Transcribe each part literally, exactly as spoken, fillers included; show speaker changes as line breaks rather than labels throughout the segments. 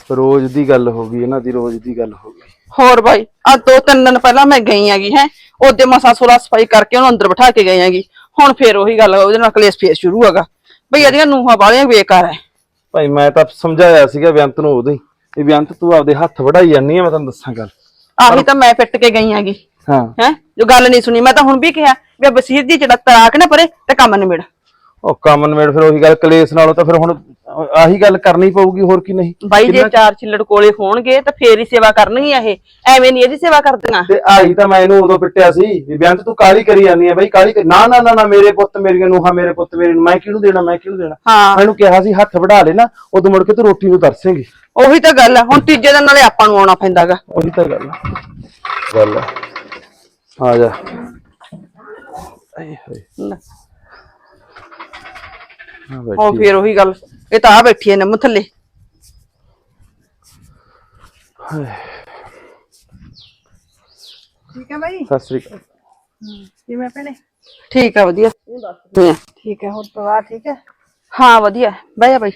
ਰੋਜ਼ ਦੀ ਗੱਲ ਹੋ ਗਈ ਇਹਨਾਂ ਦੀ, ਰੋਜ਼ ਦੀ ਗੱਲ ਹੋ ਗਈ।
ਹੋਰ ਬਾਈ ਅੱਜ ਦੋ ਤਿੰਨ ਦਿਨ ਪਹਿਲਾਂ ਮੈਂ ਗਈ ਹੈਗੀ ਹੈ, ਉਹਦੇ ਮਸਾ ਸੋਲਾ ਸਫਾਈ ਕਰਕੇ ਉਹਨੂੰ ਅੰਦਰ ਬਿਠਾ ਕੇ ਗਈ ਹੈਗੀ। ਹੁਣ ਫੇਰ ਉਹੀ ਗੱਲ, ਉਹਦੇ ਨਾਲ ਕਲੇਸ਼ ਫੇਰ ਸ਼ੁਰੂ ਹੈਗਾ ਬਈ ਇਹਦੀਆਂ ਨੂੰਹਾਂ ਵਾਲੀਆਂ ਬੇਕਾਰ ਹੈ।
ਭਾਈ ਮੈਂ ਤਾਂ ਸਮਝਾਇਆ ਸੀਗਾ ਬੇਅੰਤ ਨੂੰ ਉਦੋਂ ਹੀ ਵੀ ਬੇਅੰਤ ਤੂੰ ਆਪਦੇ ਹੱਥ ਵੜਾਈ ਜਾਂਦੀ ਆ, ਮੈਂ ਤੈਨੂੰ ਦੱਸਾਂ ਗੱਲ।
ਆਹੀ ਤਾਂ ਮੈਂ ਫਿੱਟ ਕੇ ਗਈ ਹੈਗੀ।
ਹਾਂ
ਹੈ ਜੋ ਗੱਲ ਨਹੀਂ ਸੁਣੀ, ਮੈਂ ਤਾਂ ਹੁਣ ਵੀ ਕਿਹਾ ਵੀ ਬਸੀਰ ਦੀ ਚੜਕ ਆ ਕੇ ਨਾ ਪਰੇ ਤੇ ਕੰਮ ਨਿਬੜ।
ਉਹ ਕੰਮ ਨਵੇੜ ਫਿਰ ਉਹੀ ਗੱਲ, ਕਲੇਸ਼ ਨਾਲੋਂ ਤਾਂ ਫਿਰ ਹੁਣ ਆਹੀ ਗੱਲ ਕਰਨੀ ਪਊਗੀ, ਹੋਰ ਕੀ। ਨਹੀਂ
ਬਾਈ ਜੇ ਚਾਰ ਛਿੱਲੜ ਕੋਲੇ ਹੋਣਗੇ ਤਾਂ ਫੇਰ ਹੀ ਸੇਵਾ ਕਰਨਗੀਆਂ, ਇਹ ਐਵੇਂ ਨਹੀਂ ਇਹਦੀ ਸੇਵਾ ਕਰਦੀਆਂ।
ਤੇ ਆਹੀ ਤਾਂ ਮੈਂ ਇਹਨੂੰ ਉਦੋਂ ਪਿੱਟਿਆ ਸੀ ਵੀ ਬੇਅੰਤ ਤੂੰ ਕਾਹਲੀ ਕਰੀ ਜਾਂਦੀ ਆ ਬਈ, ਕਾਹਲੀ ਨਾ ਨਾ ਨਾ ਨਾ ਮੇਰੇ ਪੁੱਤ ਮੇਰੀਆਂ ਨੂੰਹਾਂ, ਮੇਰੇ ਪੁੱਤ ਮੇਰੇ ਨੂੰ ਮੈਂ ਕਿਹਨੂੰ ਦੇਣਾ, ਮੈਂ ਕਿਹਨੂੰ ਦੇਣਾ।
ਹਾਂ
ਮੈਨੂੰ ਕਿਹਾ ਸੀ ਹੱਥ ਵੜਾ ਲੈ ਨਾ, ਉਦੋਂ ਮੁੜ ਕੇ ਤੂੰ ਰੋਟੀ ਨੂੰ ਤਰਸੇਂਗੀ।
ਉਹੀ ਤਾਂ ਗੱਲ ਹੈ, ਹੁਣ ਤੀਜੇ ਦਿਨ ਨਾਲੇ ਆਪਾਂ ਨੂੰ ਆਉਣਾ ਪੈਂਦਾਗਾ।
ਉਹੀ ਤਾਂ ਗੱਲ ਗੱਲ ਆ ਜਾ। ਆਏ ਹੋਏ
ਉਹ ਫੇਰ ਉਹੀ ਗੱਲ, ਇਹ ਤਾਂ ਆ ਬੈਠੀ ਐ ਨਿੰਮ ਥੱਲੇ।
ਠੀਕ ਹੈ ਬਾਈ।
ਸਤਿ ਸ੍ਰੀ ਅਕਾਲ।
ਕਿਵੇਂ ਭੈਣੇ?
ਠੀਕ ਆ ਵਧੀਆ।
ਠੀਕ ਹੈ, ਹੋਰ ਪਰਿਵਾਰ ਠੀਕ ਹੈ?
ਹਾਂ ਵਧੀਆ, ਬਹਿ ਜਾ ਬਾਈ।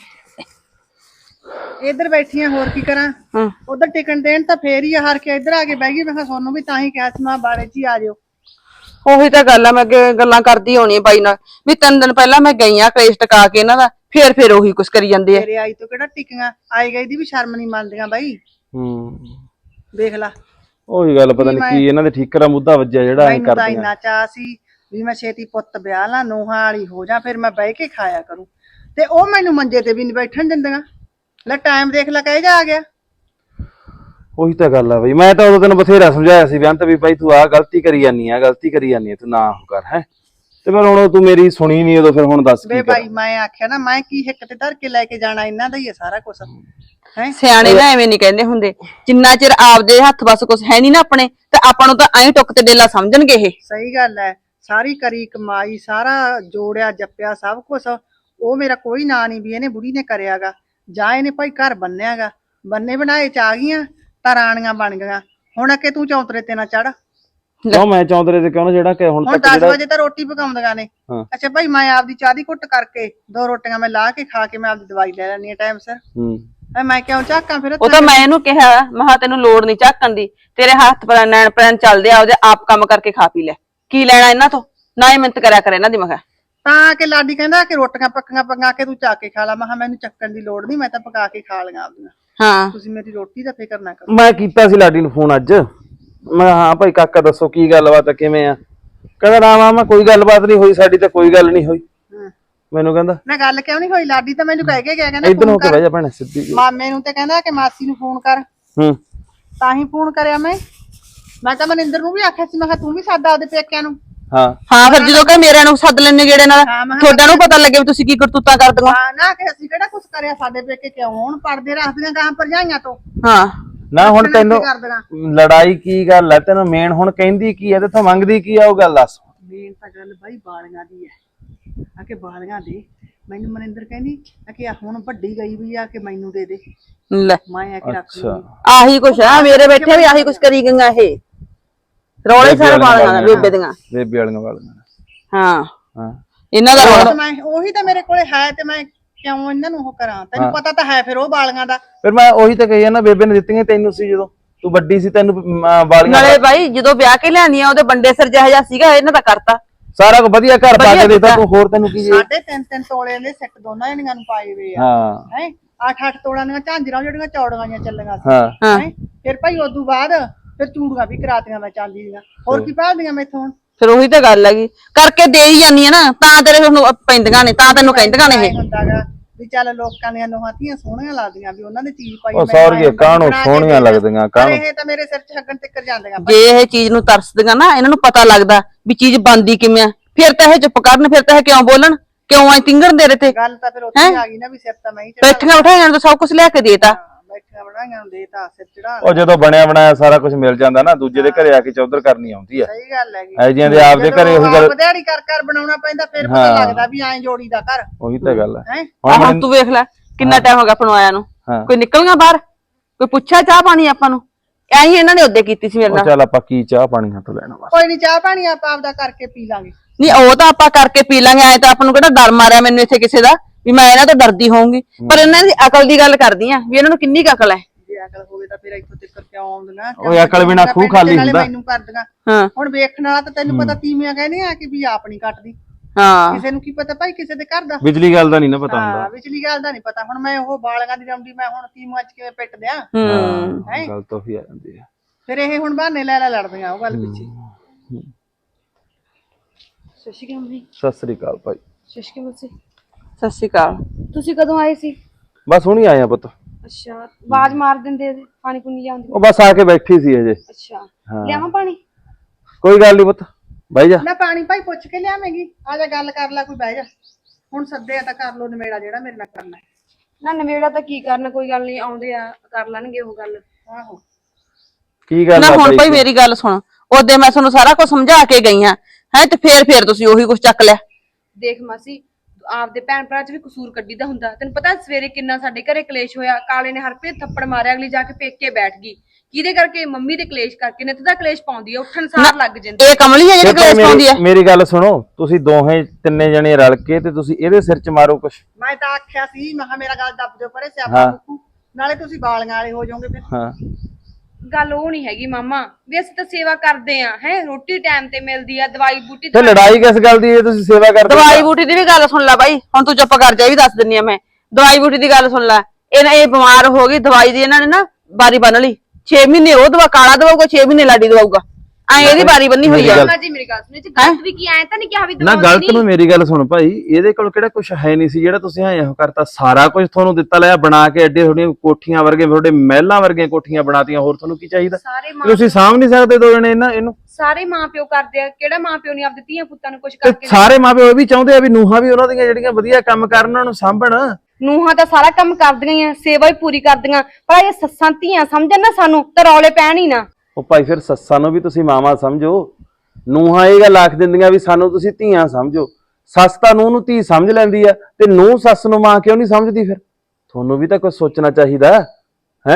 ਇੱਧਰ ਬੈਠੀ ਆ, ਹੋਰ ਕੀ ਕਰਾਂ।
ਹਾਂ
ਉਧਰ ਟਿਕਣ ਦੇਣ ਤਾਂ ਫੇਰ ਹੀ ਹਾਰ ਕੇ ਇੱਧਰ ਆ ਕੇ ਬਹਿ ਗਈ। ਮੈਂ ਕਿਹਾ ਸੋਨੂੰ ਵੀ ਤਾਂ ਹੀ ਕਿਹਾ ਸੀ ਮੈਂ ਬਾੜੇ 'ਚ ਹੀ ਆ ਜਾਓ।
ਉਹੀ ਤਾਂ ਗੱਲ ਆ, ਮੈਂ ਅੱਗੇ ਗੱਲਾਂ ਕਰਦੀ ਹੋਣੀ ਬਾਈ ਨਾਲ ਵੀ ਤਿੰਨ ਦਿਨ ਪਹਿਲਾਂ ਮੈਂ ਗਈ ਆ ਕਲੇਸ਼ ਟਕਾ ਕੇ ਇਹਨਾਂ ਦਾ, ਫੇਰ ਫੇਰ ਉਹੀ ਕੁਛ ਕਰੀ ਜਾਂਦੇ ਆ।
ਤੇਰੇ ਆਈ ਤੋਂ ਕਿਹੜਾ ਟਿਕੀਆਂ, ਆਈ ਗਈ ਦੀ ਵੀ ਸ਼ਰਮ ਨਹੀਂ ਮੰਨਦੀਆਂ ਬਾਈ।
ਹੂੰ
ਦੇਖ ਲਾ,
ਉਹੀ ਗੱਲ, ਪਤਾ ਨਹੀਂ ਕੀ ਇਹਨਾਂ ਦੇ ਠੀਕਰਾ ਮੁੱਦਾ ਵੱਜਿਆ ਜਿਹੜਾ ਐ
ਮੈਨੂੰ ਤਾਂ
ਕਰਦੇ
ਇੰਨਾ ਚਾਅ ਸੀ ਵੀ ਮੈਂ ਛੇਤੀ ਪੁੱਤ ਵਿਆਹ ਲਾਂ, ਨੂੰਹਾਂ ਵਾਲੀ ਹੋ ਜਾ, ਫਿਰ ਮੈਂ ਬਹਿ ਕੇ ਖਾਇਆ ਕਰੂੰ। ਤੇ ਉਹ ਮੈਨੂੰ ਮੰਜੇ ਤੇ ਵੀ ਨਹੀਂ ਬੈਠਣ ਦਿੰਦੀਆਂ। ਲੈ ਟਾਈਮ ਦੇਖ ਲੈ, ਕਹੇ ਜਾ ਆ ਗਿਆ।
ਉਹੀ ਤਾਂ ਗੱਲ ਆ ਬਈ, ਮੈਂ ਤਾਂ ਉਦੋਂ ਤੈਨੂੰ ਬਥੇਰਾ ਸਮਝਾਇਆ ਸੀ ਬੇਅੰਤ ਵੀ ਭਾਈ ਤੂੰ ਆਹ ਗਲਤੀ ਕਰੀ ਜਾਨੀ ਆ, ਗਲਤੀ ਕਰੀ ਜਾਨੀ ਆ, ਤੂੰ ਨਾ ਉਹ ਕਰ। ਹੈ ਤੇ ਫਿਰ ਹੁਣ ਤੂੰ ਮੇਰੀ ਸੁਣੀ ਨਹੀਂ ਉਦੋਂ, ਫਿਰ ਹੁਣ ਦੱਸ
ਵੇ
ਕੀ
ਭਾਈ ਮੈਂ ਆਖਿਆ ਨਾ, ਮੈਂ ਕੀ ਹਿੱਕ ਤੇ ਧਰ ਕੇ ਲੈ ਕੇ ਜਾਣਾ, ਇਹਨਾਂ ਦਾ ਹੀ ਹੈ ਸਾਰਾ ਕੁਛ। ਹੈ
ਸਿਆਣੇ ਨਾ ਐਵੇਂ ਨਹੀਂ ਕਹਿੰਦੇ ਹੁੰਦੇ, ਜਿੰਨਾ ਚਿਰ ਆਪਦੇ ਹੱਥ ਬਸ ਕੁਛ ਹੈ ਨਹੀਂ ਨਾ ਆਪਣੇ, ਤੇ ਆਪਾਂ ਨੂੰ ਤਾਂ ਐਂ ਟੁੱਕ ਤੇ ਡੇਲਾ ਸਮਝਣਗੇ ਇਹ।
ਸਹੀ ਗੱਲ ਹੈ, ਸਾਰੀ ਕਰੀ ਕਮਾਈ, ਸਾਰਾ ਜੋੜਿਆ ਜੱਪਿਆ ਸਭ ਕੁਛ, ਉਹ ਮੇਰਾ ਕੋਈ ਨਾਂ ਨਹੀਂ ਵੀ ਇਹਨੇ ਬੁੜੀ ਨੇ ਕਰਿਆਗਾ, ਜਾਂ ਇਹਨੇ ਭਾਈ ਘਰ ਬੰਨਿਆਗਾ। ਬੰਨੇ ਬਣਾਏ ਚ ਆ ਗਈਆਂ ਤਾਂ ਰਾਣੀਆਂ ਬਣ ਗਈਆਂ। ਹੁਣ ਅੱਗੇ ਤੂੰ ਚੌਂਤਰੇ ਤੇ ਨਾ ਚੜ।
ਕਿਉਂ ਮੈਂ ਚੌਂਤਰੇ ਤੇ ਕਿਉਂ ਨਾ ਜਿਹੜਾ ਕਿ ਹੁਣ
ਹੁਣ
ਤੱਕ
ਦਸ
ਜਿਹੜਾ
ਵਜੇ ਤਾਂ ਰੋਟੀ ਪਕਾਉਂਦੀਆਂ ਨੇ।
ਹਾਂ।
ਅੱਛਾ ਭਾਈ ਮੈਂ ਆਪਦੀ ਚਾਹ ਦੀ ਘੁੱਟ ਕਰਕੇ ਦੋ ਰੋਟੀਆਂ ਮੈਂ ਲਾ ਕੇ ਖਾ ਕੇ ਮੈਂ ਆਪਦੀ ਦਵਾਈ ਲੈ ਲੈਣੀ ਆ ਟਾਈਮ ਸਿਰ।
ਹੂੰ
ਮੈਂ ਕਿਉਂ ਝਾਕਾਂ ਫਿਰ?
ਉਹ ਤਾਂ ਮੈਂ ਇਹਨੂੰ ਕਿਹਾ, ਮਹਾ ਤੈਨੂੰ ਲੋੜ ਨਹੀਂ ਝਾਕਣ ਦੀ, ਤੇਰੇ ਹੱਥ ਪਰ ਨੈਣ ਪ੍ਰੈਣ ਚੱਲਦੇ ਆ, ਉਹਦੇ ਆਪ ਕੰਮ ਕਰਕੇ ਖਾ ਪੀ ਲੈ, ਕੀ ਲੈਣਾ ਇਹਨਾਂ ਤੋਂ, ਨਾ ਹੀ ਮਿਹਨਤ ਕਰਿਆ ਕਰ ਇਹਨਾਂ ਦੀ। ਮੈਂ ਕਿਹਾ
ਤਾਂ ਕਿ ਲਾਡੀ ਕਹਿੰਦਾ ਕਿ ਰੋਟੀਆਂ ਪੱਕੀਆਂ ਪਕਾ ਕੇ ਤੂੰ ਚੱਕ ਕੇ ਖਾ ਲਾ। ਮੈਂ ਕਿਹਾ ਮੈਨੂੰ ਚੱਕਣ ਦੀ ਲੋੜ ਨਹੀਂ, ਮੈਂ ਤਾਂ ਪਕਾ ਕੇ ਖਾ ਲਈਆਂ ਆਪਦੀਆਂ।
ਹਾਂ
ਤੁਸੀਂ ਮੇਰੀ ਰੋਟੀ ਦਾ ਫਿਕਰ ਨਾ ਕਰੋ।
ਮੈਂ ਕੀਤਾ ਸੀ ਲਾਡੀ ਨੂੰ ਫੋਨ ਅੱਜ, ਮੈਂ ਹਾਂ ਭਾਈ ਕਾਕਾ ਦੱਸੋ ਕੀ ਗੱਲਬਾਤ ਆ, ਕਿਵੇਂ ਆ? ਕਹਿੰਦਾ ਨਾ ਮਾਮਾ ਕੋਈ ਗੱਲਬਾਤ ਨਹੀਂ ਹੋਈ ਸਾਡੀ, ਤਾਂ ਕੋਈ ਗੱਲ ਨਹੀਂ ਹੋਈ। ਮੈਨੂੰ ਕਹਿੰਦਾ
ਨਾ ਗੱਲ ਕਿਉਂ ਨਹੀਂ ਹੋਈ? ਲਾਡੀ ਤਾਂ ਮੈਨੂੰ ਕਹਿ ਕੇ ਗਿਆ, ਕਹਿੰਦਾ
ਇਧਰ ਹੋ
ਫੋਨ
ਕੇ
ਕਰ
ਬਹਿ ਜਾ ਭੈਣੇ ਸਿੱਧੀ ਜੀ।
ਮਾਮੇ ਨੂੰ, ਤੇ ਕਹਿੰਦਾ ਕਿ ਮਾਸੀ ਨੂੰ ਫੋਨ ਕਰ।
ਹੂੰ
ਤਾਂ ਹੀ ਫੋਨ ਕਰਿਆ ਮੈਂ। ਮੈਂ ਤਾਂ ਮਨਿੰਦਰ ਨੂੰ ਵੀ ਆਖਿਆ ਸੀ, ਮੈਂ ਕਿਹਾ ਤੂੰ ਵੀ ਸੱਦ ਆਪਦੇ ਪੇਕਿਆਂ ਨੂੰ।
ਹਾਂ
ਹਾਂ ਫਿਰ ਜਦੋਂ ਕਿ ਮੇਰਿਆਂ ਨੂੰ ਸੱਦ ਲੈਣੇ ਗੇੜੇ ਨਾਲ, ਤੁਹਾਡਾ ਨੂੰ ਪਤਾ ਲੱਗੇ ਵੀ ਤੁਸੀਂ ਕੀ ਕਰਤੂਤਾਂ ਕਰਦੀਆਂ।
ਹਾਂ ਨਾ ਕਿ ਅਸੀਂ ਕਿਹੜਾ ਕੁਛ ਕਰਿਆ, ਸਾਡੇ ਪੇਕੇ ਕਿਉਂ ਹੁਣ ਪੜਦੇ ਰੱਖਦੀਆਂ ਗਾਂ ਭਰਜਾਈਆਂ ਤੋਂ।
ਹਾਂ
ਨਾ ਹੁਣ ਤੈਨੂੰ
ਕਰਦੀਆਂ
ਲੜਾਈ ਕੀ ਗੱਲ ਹੈ ਤੈਨੂੰ, ਮੇਨ ਹੁਣ ਕਹਿੰਦੀ ਕੀ ਹੈ ਤੇ ਤੂੰ ਮੰਗਦੀ ਕੀ ਆ, ਉਹ ਗੱਲ ਦੱਸ।
ਮੇਨ ਤਾਂ ਗੱਲ ਬਾਈ ਬਾਲੀਆਂ ਦੀ ਹੈ, ਆ ਕਿ ਬਾਲੀਆਂ ਦੇ। ਮੈਨੂੰ ਮਨਿੰਦਰ ਕਹਿੰਦੀ ਆ ਕਿ ਹੁਣ ਵੱਡੀ ਗਈ ਵੀ ਆ ਕਿ ਮੈਨੂੰ ਦੇ ਦੇ,
ਲੈ
ਮੈਂ ਆ ਕੇ ਰੱਖ ਲੂੰਗੀ।
ਆਹੀ ਕੁਛ ਆ, ਮੇਰੇ ਬੈਠੇ ਵੀ ਆਹੀ ਕੁਛ ਕਰੀ ਗਈਆਂ ਇਹ, ਰੌਲੇ ਸਾਰੇ ਬਾਲੀਆਂ ਦਾ ਬੇਬੇ ਦੀਆਂ,
ਬੇਬੇ ਵਾਲੀਆਂ ਵਾਲੀਆਂ।
ਹਾਂ
ਹਾਂ
ਇਹਨਾਂ ਦਾ ਰੌਲਾ।
ਮੈਂ ਉਹੀ ਤਾਂ ਮੇਰੇ ਕੋਲੇ ਹੈ, ਤੇ ਮੈਂ ਕਿਉਂ ਇਹਨਾਂ ਨੂੰ ਉਹ ਕਰਾਂ? ਤੈਨੂੰ ਪਤਾ ਤਾਂ ਹੈ ਫਿਰ ਉਹ ਬਾਲੀਆਂ ਦਾ।
ਫਿਰ ਮੈਂ ਉਹੀ ਤਾਂ ਕਹੀ ਨਾ, ਬੇਬੇ ਨੇ ਦਿੱਤੀਆਂ ਤੈਨੂੰ ਸੀ ਜਦੋਂ ਤੂੰ ਵੱਡੀ ਸੀ, ਤੈਨੂੰ ਵਾਲੀਆਂ।
ਨਾਲੇ ਬਾਈ ਜਦੋਂ ਵਿਆਹ ਕੇ ਲਿਆਂਦੀਆਂ ਉਹਦੇ ਬੰਦੇ ਸਿਰ ਜਿਹਾ ਜਿਹਾ ਸੀਗਾ, ਇਹਨਾਂ ਦਾ ਕਰਤਾ
ਸਾਰਾ ਕੁ ਵਧੀਆ ਘਰ ਪਾ ਕੇ ਦਿੱਤਾ ਤੂੰ, ਹੋਰ ਤੈਨੂੰ ਕੀ?
ਸਾਢੇ ਤਿੰਨ ਤਿੰਨ ਤੋਲੇ ਦੇ ਸੈੱਟ ਦੋਨਾਂ ਜਣੀਆਂ ਨੂੰ ਪਾਏ ਹੋਏ ਆ।
ਹਾਂ
ਹੈ ਅੱਠ ਅੱਠ ਤੋਲਿਆਂ ਦੀਆਂ ਝਾਂਜਰਾਂ ਜਿਹੜੀਆਂ ਚੌੜੀਆਂ ਜਿਹੀਆਂ ਚੱਲੀਆਂ ਸੀ।
ਹਾਂ
ਹੈ ਫਿਰ ਭਾਈ ਉਦੋਂ ਬਾਅਦ ਫਿਰ ਚੂੜੀਆਂ ਵੀ ਕਰਾਤੀਆਂ ਮੈਂ ਚਾਂਦੀ ਦੀਆਂ। ਹੋਰ ਕੀ ਭਾਲਦੀਆਂ ਮੈਥੋਂ ਹੁਣ?
ਫਿਰ ਉਹੀ ਤਾਂ ਗੱਲ ਹੈਗੀ, ਕਰਕੇ ਦੇ ਹੀ ਜਾਂਦੀ ਆ ਨਾ, ਤਾਂ ਤੇਰੇ ਨੂੰ ਪੈਂਦੀਆਂ ਨੇ, ਤਾਂ ਤੈਨੂੰ ਕਹਿੰਦੀਆਂ ਨੇ ਇਹ।
ਹੁੰਦਾਗਾ ਵੀ ਚੱਲ ਲੋਕਾਂ ਦੀਆਂ ਨੂੰਹਾਂ ਧੀਆਂ ਸੋਹਣੀਆਂ ਲੱਗਦੀਆਂ, ਵੀ ਉਹਨਾਂ ਦੀ ਚੀਜ਼ ਪਾਈ।
ਉਹ ਸੌਰਗੀ ਕਾਹਨੂੰ ਸੋਹਣੀਆਂ ਲੱਗਦੀਆਂ, ਕਾਹਨੂੰ
ਇਹ ਤਾਂ ਮੇਰੇ ਸਿਰ 'ਚ ਹੱਗਣ ਤੱਕ ਜਾਂਦੀਆਂ।
ਜੇ ਇਹ ਚੀਜ਼ ਨੂੰ ਤਰਸਦੀਆਂ ਨਾ, ਇਹਨਾਂ ਨੂੰ ਪਤਾ ਲੱਗਦਾ ਵੀ ਚੀਜ਼ ਬਣਦੀ ਕਿਵੇਂ ਆ, ਫਿਰ ਤਾਂ ਇਹ ਚੁੱਪ ਕਰਨ, ਫਿਰ ਤਾਂ ਇਹ ਕਿਉਂ ਬੋਲਣ, ਕਿਉਂ ਐ ਤਿੰਗਣ ਦੇ ਰਹੇ ਤੇ।
ਗੱਲ ਤਾਂ ਫਿਰ ਉੱਥੇ ਆ ਗਈ ਨਾ ਵੀ ਸਿਰ ਤਾਂ ਮੈਂ ਹੀ ਚੜਾ।
ਬੈਠੀਆਂ ਬਿਠਾਈਆਂ ਨੂੰ ਤਾਂ ਸਭ ਕੁਝ ਲਿਆ ਕੇ ਦੇਤਾ।
ਬੈਠੀਆਂ ਬਣਾਈਆਂ ਨੂੰ ਦੇਤਾ, ਸਿਰ ਚੜਾ।
ਉਹ ਜਦੋਂ ਬਣਿਆ ਬਣਾਇਆ ਸਾਰਾ ਕੁਝ ਮਿਲ ਜਾਂਦਾ ਨਾ, ਦੂਜੇ ਦੇ ਘਰੇ ਆ ਕੇ ਚੌਧਰ ਕਰਨੀ ਆਉਂਦੀ ਆ।
ਸਹੀ ਗੱਲ ਹੈਗੀ।
ਐ ਜਿਹਾਂ ਦੇ ਆਪਦੇ ਘਰੇ ਉਹੀ ਗੱਲ
ਦਿਹਾੜੀ ਕਰ ਕਰ ਬਣਾਉਣਾ ਪੈਂਦਾ, ਫਿਰ ਪਤਾ ਲੱਗਦਾ ਵੀ ਐਂ ਜੋੜੀ ਦਾ ਘਰ।
ਉਹੀ ਤਾਂ ਗੱਲ ਹੈ।
ਹੁਣ ਤੂੰ ਵੇਖ ਲੈ ਕਿੰਨਾ ਟਾਈਮ ਹੋ ਗਿਆ ਆਪਾਂ ਨੂੰ ਆਇਆ ਨੂੰ, ਕੋਈ ਨਿਕਲ ਗਿਆ ਬਾਹਰ, ਕੋਈ ਪੁੱਛਿਆ ਚਾਹ ਪਾਣੀ ਆਪਾਂ ਨੂੰ? ਐਂ ਹੀ ਇਹਨਾਂ ਨੇ ਉਹਦੇ ਕੀਤੀ ਸੀ ਮੇਰੇ ਨਾਲ।
ਚੱਲ ਆਪਾਂ ਕੀ ਚਾਹ ਪਾਣੀ ਹੱਥ ਲੈਣਾ ਬਸ।
ਕੋਈ ਨਹੀਂ, ਚਾਹ ਪਾਣੀ ਆਪਾਂ ਆਪਦਾ ਕਰਕੇ ਪੀ ਲਾਂਗੇ।
ਨਹੀਂ ਉਹ ਤਾਂ ਆਪਾਂ ਕਰਕੇ ਪੀ ਲਾਂਗੇ, ਐ ਤਾਂ ਆਪਾਂ ਨੂੰ ਕਿਹੜਾ ਡਰ ਮਾਰਿਆ ਮੈਨੂੰ ਇੱਥੇ ਕਿਸੇ ਦਾ ਵੀ ਮੈਂ ਇਹਨਾਂ ਤੋਂ ਡਰਦੀ ਹੋਊਂਗੀ। ਪਰ ਇਹਨਾਂ ਦੀ ਅਕਲ ਦੀ ਗੱਲ ਕਰਦੀ ਆ ਵੀ ਇਹਨਾਂ ਨੂੰ ਕਿੰਨੀ ਕੁ ਅਕਲ ਹੈ।
ਜੇ ਅਕਲ ਹੋਵੇ ਤਾਂ ਫਿਰ ਇੱਥੋਂ ਤੱਕ ਕਿਉਂ ਆਉਂਦੀਆਂ?
ਓਏ ਅਕਲ ਬਿਨਾਂ ਖੂਹ ਖਾਲੀ ਹੁੰਦਾ।
ਮੈਨੂੰ ਕਰਦੀਆਂ
ਹਾਂ
ਹੁਣ ਵੇਖਣ ਵਾਲਾ ਤਾਂ ਤੈਨੂੰ ਪਤਾ ਤੀਵੀਆਂ ਕਹਿੰਦੇ ਆ ਕਿ ਵੀ ਆਪ ਨਹੀਂ ਕੱਟਦੀ,
ਹਾਂ
ਕਿਸੇ ਨੂੰ ਕੀ ਪਤਾ ਭਾਈ ਕਿਸੇ ਦੇ ਘਰ ਦਾ।
ਬਿਜਲੀ ਗੱਲ ਦਾ ਨਹੀਂ ਨਾ ਪਤਾ
ਹਾਂ
ਹੁੰਦਾ।
ਵਿਚਲੀ ਗੱਲ ਦਾ ਨਹੀਂ ਪਤਾ। ਹੁਣ ਮੈਂ ਉਹ ਬਾਲਗਾਂ ਦੀ ਰੌਂਡੀ ਮੈਂ ਹੁਣ ਤੀਵੀਆਂ ਚ ਕਿਵੇਂ ਪਿੱਟ ਦਿਆਂ?
ਹੂੰ
ਹਾਂ ਗੱਲ ਤਾਂ ਉਹੀ ਆ ਜਾਂਦੀ ਹੈ।
ਫਿਰ ਇਹ ਹੁਣ ਬਹਾਨੇ ਲੈ ਲੈ ਲੜਦੀਆਂ ਉਹ ਗੱਲ ਪਿੱਛੇ।
ਸਤਿ ਸ਼੍ਰੀ ਅਕਾਲ ਮੰਮੀ।
ਸਤਿ ਸ੍ਰੀ ਅਕਾਲ ਭਾਈ।
ਸਤਿ ਸ਼੍ਰੀ ਅਕਾਲ।
ਸਤਿ ਸ਼੍ਰੀ ਅਕਾਲ।
ਤੁਸੀਂ ਕਦੋਂ ਆਏ ਸੀ?
ਬਸ ਹੁਣੀ ਆਇਆ ਪੁੱਤ।
ਅੱਛਾ, ਆਵਾਜ਼ ਮਾਰ ਦਿੰਦੇ, ਪਾਣੀ ਪੂਣੀ ਲਿਆਉਂਦੀ।
ਉਹ ਬਸ ਆ ਕੇ ਬੈਠੀ ਸੀ ਹਜੇ।
ਅੱਛਾ,
ਹਾਂ।
ਲਿਆਵਾਂ ਪਾਣੀ?
ਕੋਈ ਗੱਲ ਨਹੀਂ ਪੁੱਤ, ਬਹਿ ਜਾ।
ਨਾ ਪਾਣੀ ਭਾਈ ਪੁੱਛ ਕੇ ਲਿਆਵੇਂਗੀ, ਆ ਜਾ ਗੱਲ ਕਰ ਲੈ, ਕੋਈ ਬਹਿ ਜਾ। ਹੁਣ ਸੱਦਿਆ ਤਾਂ ਕਰ ਲੋ ਨਿਬੇੜਾ ਜਿਹੜਾ ਮੇਰੇ ਨਾਲ ਕਰਨਾ ਹੈ।
ਨਾ ਨਵੇੜਾ ਤਾਂ ਕੀ ਕਰਨਾ, ਕੋਈ ਗੱਲ ਨਹੀਂ, ਆਉਂਦੇ ਆ ਕਰ ਲੈਣਗੇ ਉਹ ਗੱਲ।
ਆਹੋ
ਕੀ ਗੱਲ
ਨਾ
ਆ
ਹੁਣ ਭਾਈ
ਬਾਈ?
ਮੇਰੀ ਗੱਲ ਸੁਣ, ਉਹਦੇ ਮੈਂ ਤੁਹਾਨੂੰ ਸਾਰਾ ਕੁਝ ਸਮਝਾ ਕੇ ਗਈ ਆ ਹੈ ਤੇ ਫੇਰ ਫੇਰ ਤੁਸੀਂ ਉਹੀ ਕੁਝ ਚੱਕ ਲਿਆ।
ਦੇਖ ਮਾਸੀ, ਆਪਦੇ ਭੈਣ ਭਰਾ ਚ ਵੀ ਕਸੂਰ ਕੱਢੀਦਾ ਹੁੰਦਾ। ਤੈਨੂੰ ਪਤਾ ਸਵੇਰੇ ਕਿੰਨਾ ਸਾਡੇ ਘਰੇ ਕਲੇਸ਼ ਹੋਇਆ। ਕਾਲੇ ਨੇ ਹਰਪ੍ਰੀਤ ਥੱਪੜ ਮਾਰਿਆ, ਅਗਲੀ ਜਾ ਕੇ ਪੇਕੇ ਬੈਠ ਗਈ। ਕਿਹਦੇ ਕਰਕੇ? ਮੰਮੀ ਦੇ ਕਲੇਸ਼ ਕਰਕੇ। ਨਿੱਤ ਦਾ ਕਲੇਸ਼ ਪਾਉਂਦੀ ਆ, ਉੱਠਣ ਸਾਰ ਲੱਗ ਜਾਂਦੀ।
ਇਹ ਕਮਲੀ ਹੈ ਜਿਹੜੀ ਕਲੇਸ਼ ਪਾਉਂਦੀ ਹੈ।
ਮੇਰੀ ਗੱਲ ਸੁਣੋ, ਤੁਸੀਂ ਦੋਹੇ ਤਿੰਨੇ ਜਣੇ ਰਲ ਕੇ ਤੇ ਤੁਸੀਂ ਇਹਦੇ ਸਿਰ 'ਚ ਮਾਰੋ ਕੁਛ।
ਮੈਂ ਤਾਂ ਆਖਿਆ ਸੀ, ਮੈਂ ਕਿਹਾ ਮੇਰਾ ਗੱਲ ਦੱਬ ਦਿਓ ਪਰੇ, ਸਿਆਪਾ ਮੁੱਕੂ, ਨਾਲੇ ਤੁਸੀਂ ਬਾਲੀਆਂ ਵਾਲੇ ਹੋ ਜਾਓਗੇ ਫਿਰ।
ਹਾਂ
ਗੱਲ ਉਹ ਨਹੀਂ ਹੈਗੀ ਮਾਮਾ, ਵੀ ਅਸੀਂ ਤਾਂ ਸੇਵਾ ਕਰਦੇ ਆ ਹੈ, ਰੋਟੀ ਟਾਈਮ ਤੇ ਮਿਲਦੀ ਆ, ਦਵਾਈ ਬੂਟੀ
ਤੇ ਲੜਾਈ ਕਿਸ ਗੱਲ ਦੀ ਹੈ? ਤੁਸੀਂ ਸੇਵਾ ਕਰਦੇ।
ਦਵਾਈ ਬੂਟੀ ਦੀ ਵੀ ਗੱਲ ਸੁਣ ਲੈ ਬਾਈ, ਹੁਣ ਤੂੰ ਚੁੱਪ ਕਰ ਜਾ, ਇਹ ਵੀ ਦੱਸ ਦਿੰਨੀ ਆ ਮੈਂ। ਦਵਾਈ ਬੂਟੀ ਦੀ ਗੱਲ ਸੁਣ ਲੈ। ਇਹਨਾਂ ਇਹ ਬਿਮਾਰ ਹੋ ਗਈ, ਦਵਾਈ ਦੀ ਇਹਨਾਂ ਨੇ ਨਾ ਬਾਰੀ ਬੰਨ ਲਈ। ਛੇ ਮਹੀਨੇ ਉਹ ਦਵਾ ਕਾਲਾ ਦਵਾਊਗਾ, ਛੇ ਮਹੀਨੇ ਲਾਡੀ ਦਵਾਊਗਾ, ਐ ਇਹਦੀ ਬਾਰੀ ਬੰਨੀ ਹੋਈ ਆ।
ਮਾਮਾ ਜੀ ਮੇਰੀ ਗੱਲ ਸੁਣੋ, ਇਹ ਚ ਗਲਤ ਵੀ ਕੀ ਐ ਤਾਂ ਨਹੀਂ ਕਿਹਾ ਵੀ
ਨਾ
ਦਵਾਈ
ਗਲਤ
ਨਹੀਂ।
ਨੂੰ ਮੇਰੀ ਗੱਲ ਸੁਣ ਭਾਈ, ਇਹਦੇ ਕੋਲ ਕਿਹੜਾ ਕੁਝ ਹੈ ਨਹੀਂ ਸੀ ਜਿਹੜਾ ਤੁਸੀਂ ਐਂ ਇਹੋ ਕਰਤਾ। ਸਾਰਾ ਕੁਝ ਤੁਹਾਨੂੰ ਦਿੱਤਾ ਲਿਆ ਬਣਾ ਕੇ, ਐਡੇ ਤੁਹਾਡੀਆਂ ਕੋਠੀਆਂ ਵਰਗੇ, ਤੁਹਾਡੇ ਮਹਿਲਾਂ ਵਰਗੀਆਂ ਕੋਠੀਆਂ ਬਣਾਤੀਆਂ। ਹੋਰ ਤੁਹਾਨੂੰ ਕੀ ਚਾਹੀਦਾ?
ਸਾਰੇ ਮਾਂ
ਤੁਸੀਂ ਸਾਂਭ ਨਹੀਂ ਸਕਦੇ ਦੋ ਜਣੇ ਇਹਨਾਂ ਇਹਨੂੰ?
ਸਾਰੇ ਮਾਂ ਪਿਓ ਕਰਦੇ ਆ, ਕਿਹੜਾ ਮਾਂ ਪਿਓ ਨਹੀਂ ਆਪਦੇ ਧੀਆਂ ਪੁੱਤਾਂ ਨੂੰ ਕੁਝ
ਤੇ
ਕਰਕੇ?
ਸਾਰੇ ਮਾਪੇ ਇਹ ਵੀ ਚਾਹੁੰਦੇ ਆ ਵੀ ਨੂੰਹਾਂ ਵੀ ਉਹਨਾਂ ਦੀਆਂ ਜਿਹੜੀਆਂ ਵਧੀਆ ਕੰਮ ਕਰਨ, ਉਹਨਾਂ ਨੂੰ ਸਾਂਭਣ।
ਨੂੰਹਾਂ ਤਾਂ ਸਾਰਾ ਕੰਮ ਕਰਦੀਆਂ ਹੀ ਆ, ਸੇਵਾ ਹੀ ਪੂਰੀ ਕਰਦੀਆਂ, ਪਰ ਇਹ ਸੱਸਾਂ ਧੀਆਂ ਸਮਝਣ ਨਾ ਸਾਨੂੰ ਤਾਂ ਰੌਲੇ ਪੈਣ ਹੀ ਨਾ।
ਉਹ ਭਾਈ ਫਿਰ ਸੱਸਾਂ ਨੂੰ ਵੀ ਤੁਸੀਂ ਮਾਵਾਂ ਸਮਝੋ। ਨੂੰਹਾਂ ਇਹ ਗੱਲ ਆਖ ਦਿੰਦੀਆਂ ਵੀ ਸਾਨੂੰ ਤੁਸੀਂ ਧੀਆਂ ਸਮਝੋ। ਸੱਸ ਤਾਂ ਨੂੰਹ ਨੂੰ ਧੀ ਸਮਝ ਲੈਂਦੀ ਆ, ਤੇ ਨੂੰਹ ਸੱਸ ਨੂੰ ਮਾਂ ਕਿਉਂ ਨਹੀਂ ਸਮਝਦੀ? ਫਿਰ ਤੁਹਾਨੂੰ ਵੀ ਤਾਂ ਕੁਝ ਸੋਚਣਾ ਚਾਹੀਦਾ ਹੈ।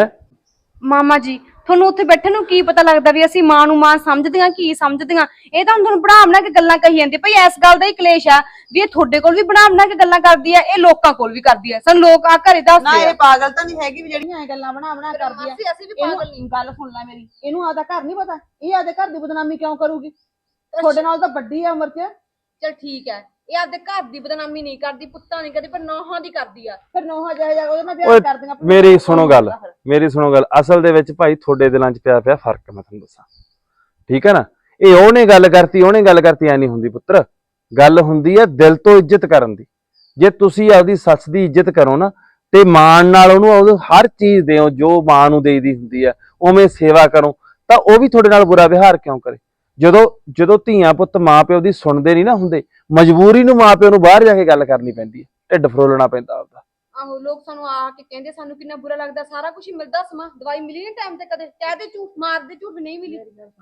ਮਾਮਾ ਜੀ ਤੁਹਾਨੂੰ ਉੱਥੇ ਬੈਠੇ ਨੂੰ ਕੀ ਪਤਾ ਲੱਗਦਾ ਵੀ ਅਸੀਂ ਮਾਂ ਨੂੰ ਮਾਂ ਸਮਝਦੀਆਂ ਕੀ ਸਮਝਦੀਆਂ? ਇਹ ਤਾਂ ਹੁਣ ਤੁਹਾਨੂੰ ਬਣਾ ਬਣਾ ਕੇ ਗੱਲਾਂ ਕਹੀ ਜਾਂਦੇ। ਭਈ ਇਸ ਗੱਲ ਦਾ ਹੀ ਕਲੇਸ਼ ਆ ਵੀ ਇਹ ਤੁਹਾਡੇ ਕੋਲ ਵੀ ਬਣਾ ਬਣਾ ਕੇ ਗੱਲਾਂ ਕਰਦੀ ਆ, ਇਹ ਲੋਕਾਂ ਕੋਲ ਵੀ ਕਰਦੀ ਆ। ਸਾਨੂੰ ਲੋਕ ਆ ਘਰੇ
ਨਾ
ਦੱਸਦੇ
ਇਹ
ਆ।
ਪਾਗਲ ਤਾਂ ਨਹੀਂ ਹੈਗੀ ਵੀ ਜਿਹੜੀਆਂ ਐ ਗੱਲਾਂ ਬਣਾ ਬਣਾ ਕਰਦੀ ਆ।
ਅਸੀਂ ਅਸੀਂ ਵੀ ਪਾਗਲ ਨਹੀਂ।
ਗੱਲ ਸੁਣ ਲੈ ਮੇਰੀ, ਇਹਨੂੰ ਆਦਾ ਘਰ ਨਹੀਂ ਪਤਾ, ਇਹ ਆਦੇ ਘਰ ਦੀ ਬਦਨਾਮੀ ਕਿਉਂ ਕਰੂਗੀ? ਤੁਹਾਡੇ ਨਾਲ ਤਾਂ ਵੱਡੀ ਆ ਉਮਰ 'ਚ।
ਚਲ ਠੀਕ ਹੈ, ਇਹ ਆਪਦੇ ਘਰ ਦੀ ਬਦਨਾਮੀ ਨਹੀਂ ਕਰਦੀ, ਪੁੱਤਾਂ ਨਹੀਂ ਕਰਦੀ, ਪਰ ਨੌਹਾਂ ਦੀ ਕਰਦੀ ਆ।
ਫਿਰ ਨੋਹਾ ਜਿਹੇ ਜਾ ਉਹਦੇ ਨਾਲ
ਓਏ
ਵਿਆਹ ਕਰ ਦਿੰਗਾ।
ਮੇਰੀ ਸੁਣੋ ਗੱਲ, ਮੇਰੀ ਸੁਣੋ ਗੱਲ। ਅਸਲ ਦੇ ਵਿੱਚ ਭਾਈ ਤੁਹਾਡੇ ਦਿਲਾਂ 'ਚ ਪਿਆ ਪਿਆ ਫਰਕ, ਮੈਂ ਤੁਹਾਨੂੰ ਦੱਸਾਂ, ਠੀਕ ਹੈ ਨਾ? ਇਹ ਉਹਨੇ ਗੱਲ ਕਰਤੀ, ਉਹਨੇ ਗੱਲ ਕਰਤੀ, ਐ ਨਹੀਂ ਹੁੰਦੀ ਪੁੱਤਰ। ਗੱਲ ਹੁੰਦੀ ਹੈ ਦਿਲ ਤੋਂ ਇੱਜ਼ਤ ਕਰਨ ਦੀ। ਜੇ ਤੁਸੀਂ ਆਪਦੀ ਸੱਸ ਦੀ ਇੱਜ਼ਤ ਕਰੋ ਨਾ, ਤੇ ਮਾਣ ਨਾਲ ਉਹਨੂੰ ਉਹਨੂੰ ਹਰ ਚੀਜ਼ ਦਿਓ ਜੋ ਮਾਂ ਨੂੰ ਦੇਈਦੀ ਹੁੰਦੀ ਆ, ਉਵੇਂ ਸੇਵਾ ਕਰੋ, ਤਾਂ ਉਹ ਵੀ ਤੁਹਾਡੇ ਨਾਲ ਬੁਰਾ ਵਿਹਾਰ ਕਿਉਂ ਕਰੇ? ਜਦੋਂ ਜਦੋਂ ਧੀਆਂ ਪੁੱਤ ਮਾਂ ਪਿਓ ਦੀ ਸੁਣਦੇ ਨਹੀਂ ਨਾ ਹੁੰਦੇ, ਮਜਬੂਰੀ ਨੂੰ ਮਾਂ ਪਿਓ ਨੂੰ ਬਾਹਰ ਜਾ ਕੇ ਗੱਲ ਕਰਨੀ ਪੈਂਦੀ ਹੈ, ਢਿੱਡ ਫਰੋਲਣਾ ਪੈਂਦਾ ਆਪਦਾ।
ਆਹੋ, ਲੋਕ ਸਾਨੂੰ ਆ ਕੇ ਕਹਿੰਦੇ, ਸਾਨੂੰ ਕਿੰਨਾ ਬੁਰਾ ਲੱਗਦਾ। ਸਾਰਾ ਕੁਝ ਹੀ ਮਿਲਦਾ, ਸਮਾਂ ਦਵਾਈ ਮਿਲੀ ਨਹੀਂ ਟਾਈਮ ਤੇ, ਕਦੇ ਕਹਦੇ ਝੂਠ ਮਾਰਦੇ, ਝੂਠ ਨਹੀਂ ਮਿਲੀ।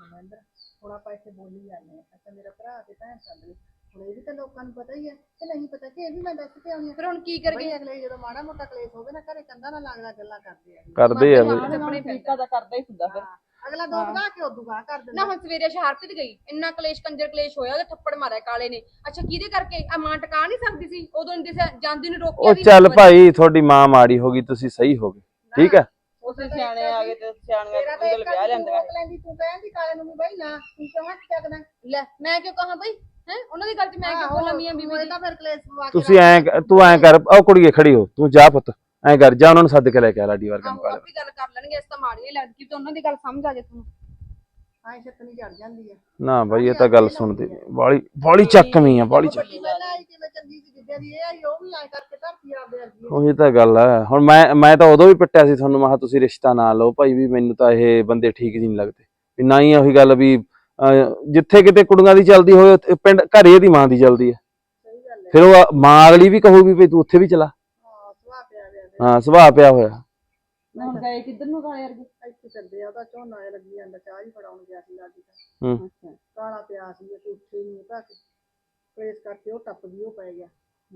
ਹੁਣ ਆਪਾਂ ਇੱਥੇ ਬੋਲੀ ਜਾਂਦੇ ਆ, ਅੱਛਾ ਮੇਰਾ ਭਰਾ ਤੇ ਭੈਣ ਸੰਦ ਨੇ, ਹੁਣ ਇਹ ਵੀ ਤਾਂ ਲੋਕਾਂ ਨੂੰ ਪਤਾ ਹੀ ਹੈ ਕਿ ਨਹੀਂ ਪਤਾ ਕਿ ਇਹ ਵੀ ਮੈਂ ਦੱਸ ਕੇ ਆਉਣੀ ਆ।
ਫਿਰ ਹੁਣ ਕੀ ਕਰੀਏ?
ਅਗਲੇ ਜਦੋਂ ਮਾੜਾ ਮੋਟਾ ਕਲੇਸ਼ ਹੋਵੇ ਨਾ ਘਰੇ, ਕੰਧਾਂ ਨਾਲ ਲੱਗਦਾ ਗੱਲਾਂ ਕਰਦੇ ਆ।
ਕਰਦੇ ਆ ਬਈ।
ਆਪਣੇ ਤਰੀਕਾ ਦਾ ਕਰਦਾ ਹੀ ਹੁੰਦਾ ਫਿਰ।
ਅਗਲਾ ਦੋ ਵਧਾ ਕੇ ਉਦੋਂ ਗਾਹ ਕਰ
ਨਾ
ਦਿੰਦਾ।
ਹੁਣ ਸਵੇਰੇ ਸ਼ਹਾਰਤ ਗਈ, ਇੰਨਾ ਕਲੇਸ਼ ਕੰਜਰ ਕਲੇਸ਼ ਹੋਇਆ, ਉਹਦੇ ਥੱਪੜ ਮਾਰਿਆ ਕਾਲੇ ਨੇ। ਅੱਛਾ ਕਿਹਦੇ ਕਰਕੇ? ਆ ਮਾਂ ਟਕਾ ਨਹੀਂ ਸਕਦੀ ਸੀ ਉਦੋਂ, ਇੰਦੇ ਜਾਂਦੀ ਨੂੰ ਰੋਕਿਆ
ਉਹ
ਵੀ।
ਚੱਲ ਭਾਈ, ਤੁਹਾਡੀ ਮਾਂ ਮਾੜੀ ਹੋ ਗਈ, ਤੁਸੀਂ ਸਹੀ ਹੋ ਗਏ, ਠੀਕ ਹੈ?
ਉਸੇ ਸਿਆਣੇ ਆ ਗਏ ਤੇ ਸਿਆਣੀਆਂ
ਤੇਰਾ ਤਾਂ
ਉਹਦੇ
ਇੱਕ
ਵਿਆਹ
ਤੂੰ
ਲੈਂਦਾ।
ਰੋਕ ਲੈਂਦੀ, ਤੂੰ ਕਹਿੰਦੀ ਕਾਲੇ ਨੂੰ ਵੀ ਬਈ ਨਾ, ਤੂੰ ਕਿਉਂ ਹੱਥ ਚੱਕਦਾ?
ਲੈ ਮੈਂ ਕਿਉਂ ਕਹਾਂ ਬਈ, ਹੈ ਉਹਨਾਂ ਦੀ ਗੱਲ ਚ ਮੈਂ ਕਿਉਂ ਬੋਲਾਂ? ਮੀਆਂ ਬੀਬੀ ਦੀ।
ਤਾਂ ਫਿਰ ਕਲੇਸ਼ ਪਵਾ ਕੇ
ਤੁਸੀਂ ਐਂ ਤੂੰ ਐਂ ਕਰ, ਉਹ ਕੁੜੀਏ ਖੜੀ ਹੋ, ਤੂੰ ਜਾ ਪੁੱਤ, ਐਂ ਕਰ, ਜਾ ਉਹਨਾਂ ਨੂੰ ਸੱਦ ਕੇ ਲੈ ਕੇ ਆ ਲਾਡੀ ਵਰਗਾ
ਆਹੋ,
ਮੁਕਾਲੇ।
ਆਪੇ ਗੱਲ ਕਰ ਲੈਣਗੇ, ਇਸ ਤਾਂ ਮਾੜੀ ਨਹੀਂ ਲੱਗਦੀ ਕਿ ਉਹਨਾਂ ਦੀ ਗੱਲ ਸਮਝ ਆ ਜੇ ਤੁਹਾਨੂੰ।
ਆਏ ਛੱਤਨੀ ਚੜ ਜਾਂਦੀ ਆ।
ਨਾ ਬਾਈ, ਇਹ ਤਾਂ ਗੱਲ ਸੁਣਦੇ ਬਾਲੀ ਬਾਲੀ ਚੱਕਵੀਂ ਆ, ਬਾਲੀ ਚੱਕ।
ਵੱਡੀ ਪਹਿਲਾਂ ਆਈ ਕਿਵੇਂ ਚੰਗੀ ਸੀ, ਜਿੱਦਾਂ ਦੀ ਇਹ ਆਈ ਉਹ ਵੀ ਆਏ ਕਰਕੇ ਧਰਤੀ ਆਪਦੇ ਵਰਗੀ।
ਉਹੀ ਤਾਂ ਗੱਲ ਹੈ। ਹੁਣ ਮੈਂ ਮੈਂ ਤਾਂ ਉਦੋਂ ਵੀ ਪਿੱਟਿਆ ਸੀ ਤੁਹਾਨੂੰ, ਮੈਂ ਕਿਹਾ ਤੁਸੀਂ ਰਿਸ਼ਤਾ ਨਾ ਲਓ ਭਾਈ, ਵੀ ਮੈਨੂੰ ਤਾਂ ਇਹ ਬੰਦੇ ਠੀਕ ਜੀ ਨਹੀਂ ਲੱਗਦੇ। ਵੀ ਨਾ ਹੀ ਉਹੀ ਗੱਲ ਵੀ ਜਿੱਥੇ ਕਿਤੇ ਕੁੜੀਆਂ ਦੀ ਚੱਲਦੀ ਹੋਵੇ, ਉੱਥੇ ਪਿੰਡ ਘਰੇ ਦੀ ਮਾਂ ਦੀ ਚੱਲਦੀ ਹੈ। ਫਿਰ ਉਹ ਮਾਂ ਅਗਲੀ ਵੀ ਕਹੂਗੀ ਵੀ ਤੂੰ ਉੱਥੇ ਵੀ ਚਲਾ।
ਹਾਂ ਸੁਭਾਅ ਪਿਆ ਪਿਆ
ਹਾਂ ਸੁਭਾਅ ਪਿਆ ਹੋਇਆ।
ਹੁਣ ਗਏ ਕਿੱਧਰ ਨੂੰ ਕਾਲੇ ਵਰਗੇ?
ਇੱਥੇ ਚੱਲਦੇ ਆ, ਉਹਦਾ ਝੋਨਾ ਜਿਹਾ ਲੱਗੀ ਜਾਂਦਾ, ਚਾਹ ਹੀ ਫੜਾਉਣ ਗਿਆ ਸੀ ਲਾਡੀ ਦਾ।
ਹੂੰ
ਕਾਲਾ ਪਿਆ ਸੀ, ਉਹ ਉੱਠੇ ਨਹੀਂ ਤਾਂ ਕਲੇਸ਼ ਕਰਕੇ ਉਹ ਟੱਪ ਗਈ, ਉਹ ਪੈ ਗਿਆ।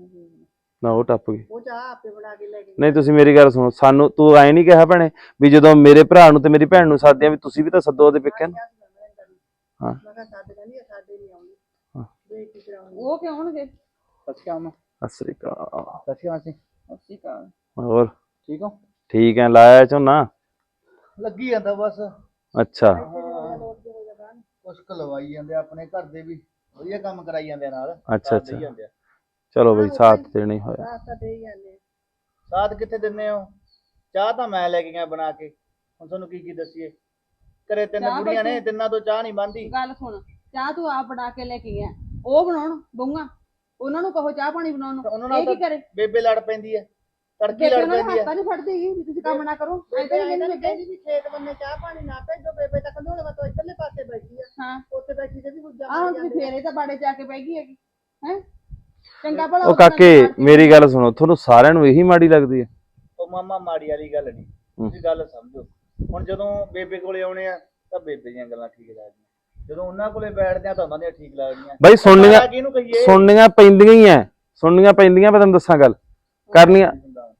ਨਾ ਉਹ ਟੱਪ ਗਈ।
ਉਹ ਚਾਹ ਆਪੇ ਬਣਾ ਕੇ ਲੈ ਕੇ
ਨਹੀਂ ਤੁਸੀਂ ਮੇਰੀ ਗੱਲ ਸੁਣੋ, ਸਾਨੂੰ ਤੂੰ ਐਂ ਨਹੀਂ ਕਿਹਾ ਭੈਣੇ ਵੀ ਜਦੋਂ ਮੇਰੇ ਭਰਾ ਨੂੰ ਤੇ ਮੇਰੀ ਭੈਣ ਨੂੰ ਸੱਦਦੇ ਆ ਵੀ ਤੁਸੀਂ ਵੀ ਤਾਂ ਸੱਦੋ ਉਹਦੇ ਪੇਕਿਆਂ ਨੂੰ। ਹਾਂ
ਮੈਂ ਕਿਹਾ ਸਾਡੇ ਕਹਿੰਦੀ ਸਾਡੇ ਨਹੀਂ ਆਉਂਦੀ।
ਉਹ ਕਿਉਂ ਹੋਣਗੇ?
ਸੱਚਾ ਮੈਂ
ਅਸਰੀ ਕਾ
ਸੱਚਾ ਅਸੀਂ
ਅਸੀਂ ਕਾ
ਹੋਰ
ਠੀਕ ਹੋ?
ਠੀਕ ਹੈ, ਲਾਇਆ ਝੋਨਾ?
ਲੱਗੀ ਜਾਂਦਾ ਬਸ।
ਅੱਛਾ
ਕੁਛ ਕੁ ਲਵਾਈ ਜਾਂਦੇ ਆ, ਆਪਣੇ ਘਰ ਦੇ ਵੀ ਵਧੀਆ ਕੰਮ ਕਰਾਈ ਜਾਂਦੇ ਆ ਨਾਲ।
ਅੱਛਾ
ਸਾਥ ਦੇਈ
ਅੱਛਾ
ਜਾਂਦੇ ਆ।
ਚਲੋ ਬਈ ਸਾਥ ਦੇਣਾ ਹੀ ਹੋਇਆ।
ਰਾਸਤਾ ਦੇ ਹੀ ਜਾਂਦੇ ਆ।
ਸਾਥ ਕਿੱਥੇ ਦਿੰਦੇ ਹੋ? ਚਾਹ ਤਾਂ ਮੈਂ ਲੈ ਕੇ ਗਿਆ ਬਣਾ ਕੇ, ਹੁਣ ਤੁਹਾਨੂੰ ਕੀ ਕੀ ਦੱਸੀਏ। ਘਰੇ ਤਿੰਨ
ਚਾਹ
ਬੁੜੀਆਂ ਨੇ,
ਬੈਠੀ।
ਤਿੰਨਾਂ ਤੋਂ ਚਾਹ ਨਹੀਂ ਬਣਦੀ।
ਗੱਲ ਸੁਣ, ਚਾਹ ਤੂੰ ਆਪ ਬਣਾ ਕੇ ਲੈ ਕੇ ਗਿਆ, ਉਹ ਬਣਾਉਣ ਬਹੂਆਂ, ਉਹਨਾਂ ਨੂੰ ਕਹੋ ਚਾਹ ਪਾਣੀ ਬਣਾਉਣ
ਉਹਨਾਂ
ਨੂੰ,
ਨਾਲ
ਇਹ ਕੀ
ਤਾਂ
ਕਰੇ?
ਬੇਬੇ ਲੜ ਪੈਂਦੀ ਹੈ, ਤੜਕੀ
ਬੇਬੇ
ਲੜ
ਉਹਨਾਂ ਦੇ
ਪੈਂਦੀ ਹੈ।
ਹੱਥਾਂ ਨਹੀਂ ਫੜਦੀ ਹੈਗੀ ਵੀ ਤੁਸੀਂ ਕੰਮ ਨਾ ਕਰੋ। ਐ ਤਾਂ ਨਹੀਂ ਕਹਿੰਦੀ ਬੇਬੇ।
ਵੀ ਖੇਤ ਬੰਨੇ ਚਾਹ ਪਾਣੀ ਨਾ ਭੇਜੋ, ਬੇਬੇ ਤਾਂ ਕੰਢੋਲੇ ਵੱਲੋਂ ਇੱਧਰਲੇ ਪਾਸੇ ਬੈਠੀ ਆ।
ਹਾਂ
ਉੱਥੇ ਬੈਠੀ ਤੇ ਵੀ ਗੁੱਜਾ
ਆਹ ਹੁਣ ਤੁਸੀਂ ਫੇਰੇ ਤਾਂ ਬਾੜੇ ਜਾ ਕੇ ਬਹਿ ਗਈ ਹੈਗੀ ਹੈ। ਚੰਗਾ ਭਲਾ
ਉਹ
ਉਹਦੇ ਨਾਲ
ਕਾਕੇ
ਮਾਰਦੀ
ਮੇਰੀ ਗੱਲ ਸੁਣੋ, ਤੁਹਾਨੂੰ ਸਾਰਿਆਂ ਨੂੰ ਇਹੀ ਮਾੜੀ ਲੱਗਦੀ ਹੈ?
ਉਹ ਮਾਮਾ ਮਾੜੀ ਵਾਲੀ ਗੱਲ ਨਹੀਂ, ਤੁਸੀਂ ਗੱਲ ਸਮਝੋ। ਹੁਣ ਜਦੋਂ ਬੇਬੇ ਕੋਲੇ ਆਉਣੇ ਆ ਤਾਂ ਬੇਬੇ ਦੀਆਂ ਗੱਲਾਂ ਠੀਕ ਲੱਗਦੀਆਂ, ਜਦੋਂ ਉਹਨਾਂ ਕੋਲੇ ਬੈਠਦੇ ਆ ਤਾਂ ਉਹਨਾਂ ਦੀਆਂ ਠੀਕ ਲੱਗਦੀਆਂ।
ਬਈ ਸੁਣਨੀਆਂ
ਸਾਰਾ ਕਿਹਨੂੰ ਕਹੀਏ?
ਸੁਣਨੀਆਂ ਪੈਂਦੀਆਂ ਹੀ ਐ, ਸੁਣਨੀਆਂ ਪੈਂਦੀਆਂ। ਮੈਂ ਤੈਨੂੰ ਦੱਸਾਂ ਗੱਲ ਕਰਨੀਆਂ।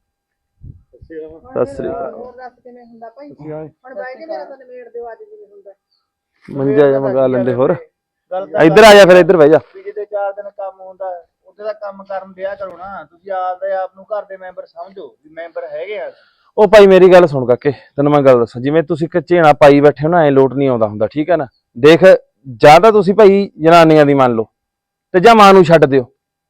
ਸਤਿ ਸ੍ਰੀ ਅਕਾਲ।
ਹੋਰ ਦੱਸ ਕਿਵੇਂ ਹੁੰਦਾ ਭਾਈ? ਹੁਣ ਬਾਈ ਜੀ ਮੇਰਾ ਤਾਂ ਨਿਮੇੜ ਦਿਓ ਅੱਜ ਜਿਵੇਂ ਹੁੰਦਾ।
ਮੰਜਾ ਜਾਂ ਮੰਗਾ ਲੈਂਦੇ ਹੋਰ।
ਗੱਲ ਤਾਂ
ਇੱਧਰ ਆ ਜਾ, ਫਿਰ ਇੱਧਰ ਬਹਿ ਜਾ।
ਵੀ ਜਿਹਦੇ ਚਾਰ ਦਿਨ ਕੰਮ ਹੁੰਦਾ ਉਹਦੇ ਦਾ ਕੰਮ ਕਰਨ ਦਿਆ ਕਰੋ ਨਾ। ਤੁਸੀਂ ਆਪਦੇ ਆਪ ਨੂੰ ਘਰ ਦੇ ਮੈਂਬਰ ਸਮਝੋ ਵੀ ਮੈਂਬਰ ਹੈਗੇ ਆ।
ਉਹ ਭਾਈ ਮੇਰੀ ਗੱਲ ਸੁਣ ਕਾਕੇ, ਤੈਨੂੰ ਮੈਂ ਗੱਲ ਦੱਸਾਂ, ਜਿਵੇਂ ਤੁਸੀਂ ਝੇਣਾ ਪਾਈ ਬੈਠੇ ਹੋ ਨਾ, ਐ ਲੋਟ ਨਹੀਂ ਆਉਂਦਾ ਹੁੰਦਾ, ਠੀਕ ਹੈ ਨਾ? ਦੇਖ, ਜਾਂ ਤਾਂ ਤੁਸੀਂ ਭਾਈ ਜਨਾਨੀਆਂ ਦੀ ਮੰਨ ਲਓ ਤੇ ਜਾਂ ਮਾਂ ਨੂੰ ਛੱਡ ਦਿਓ।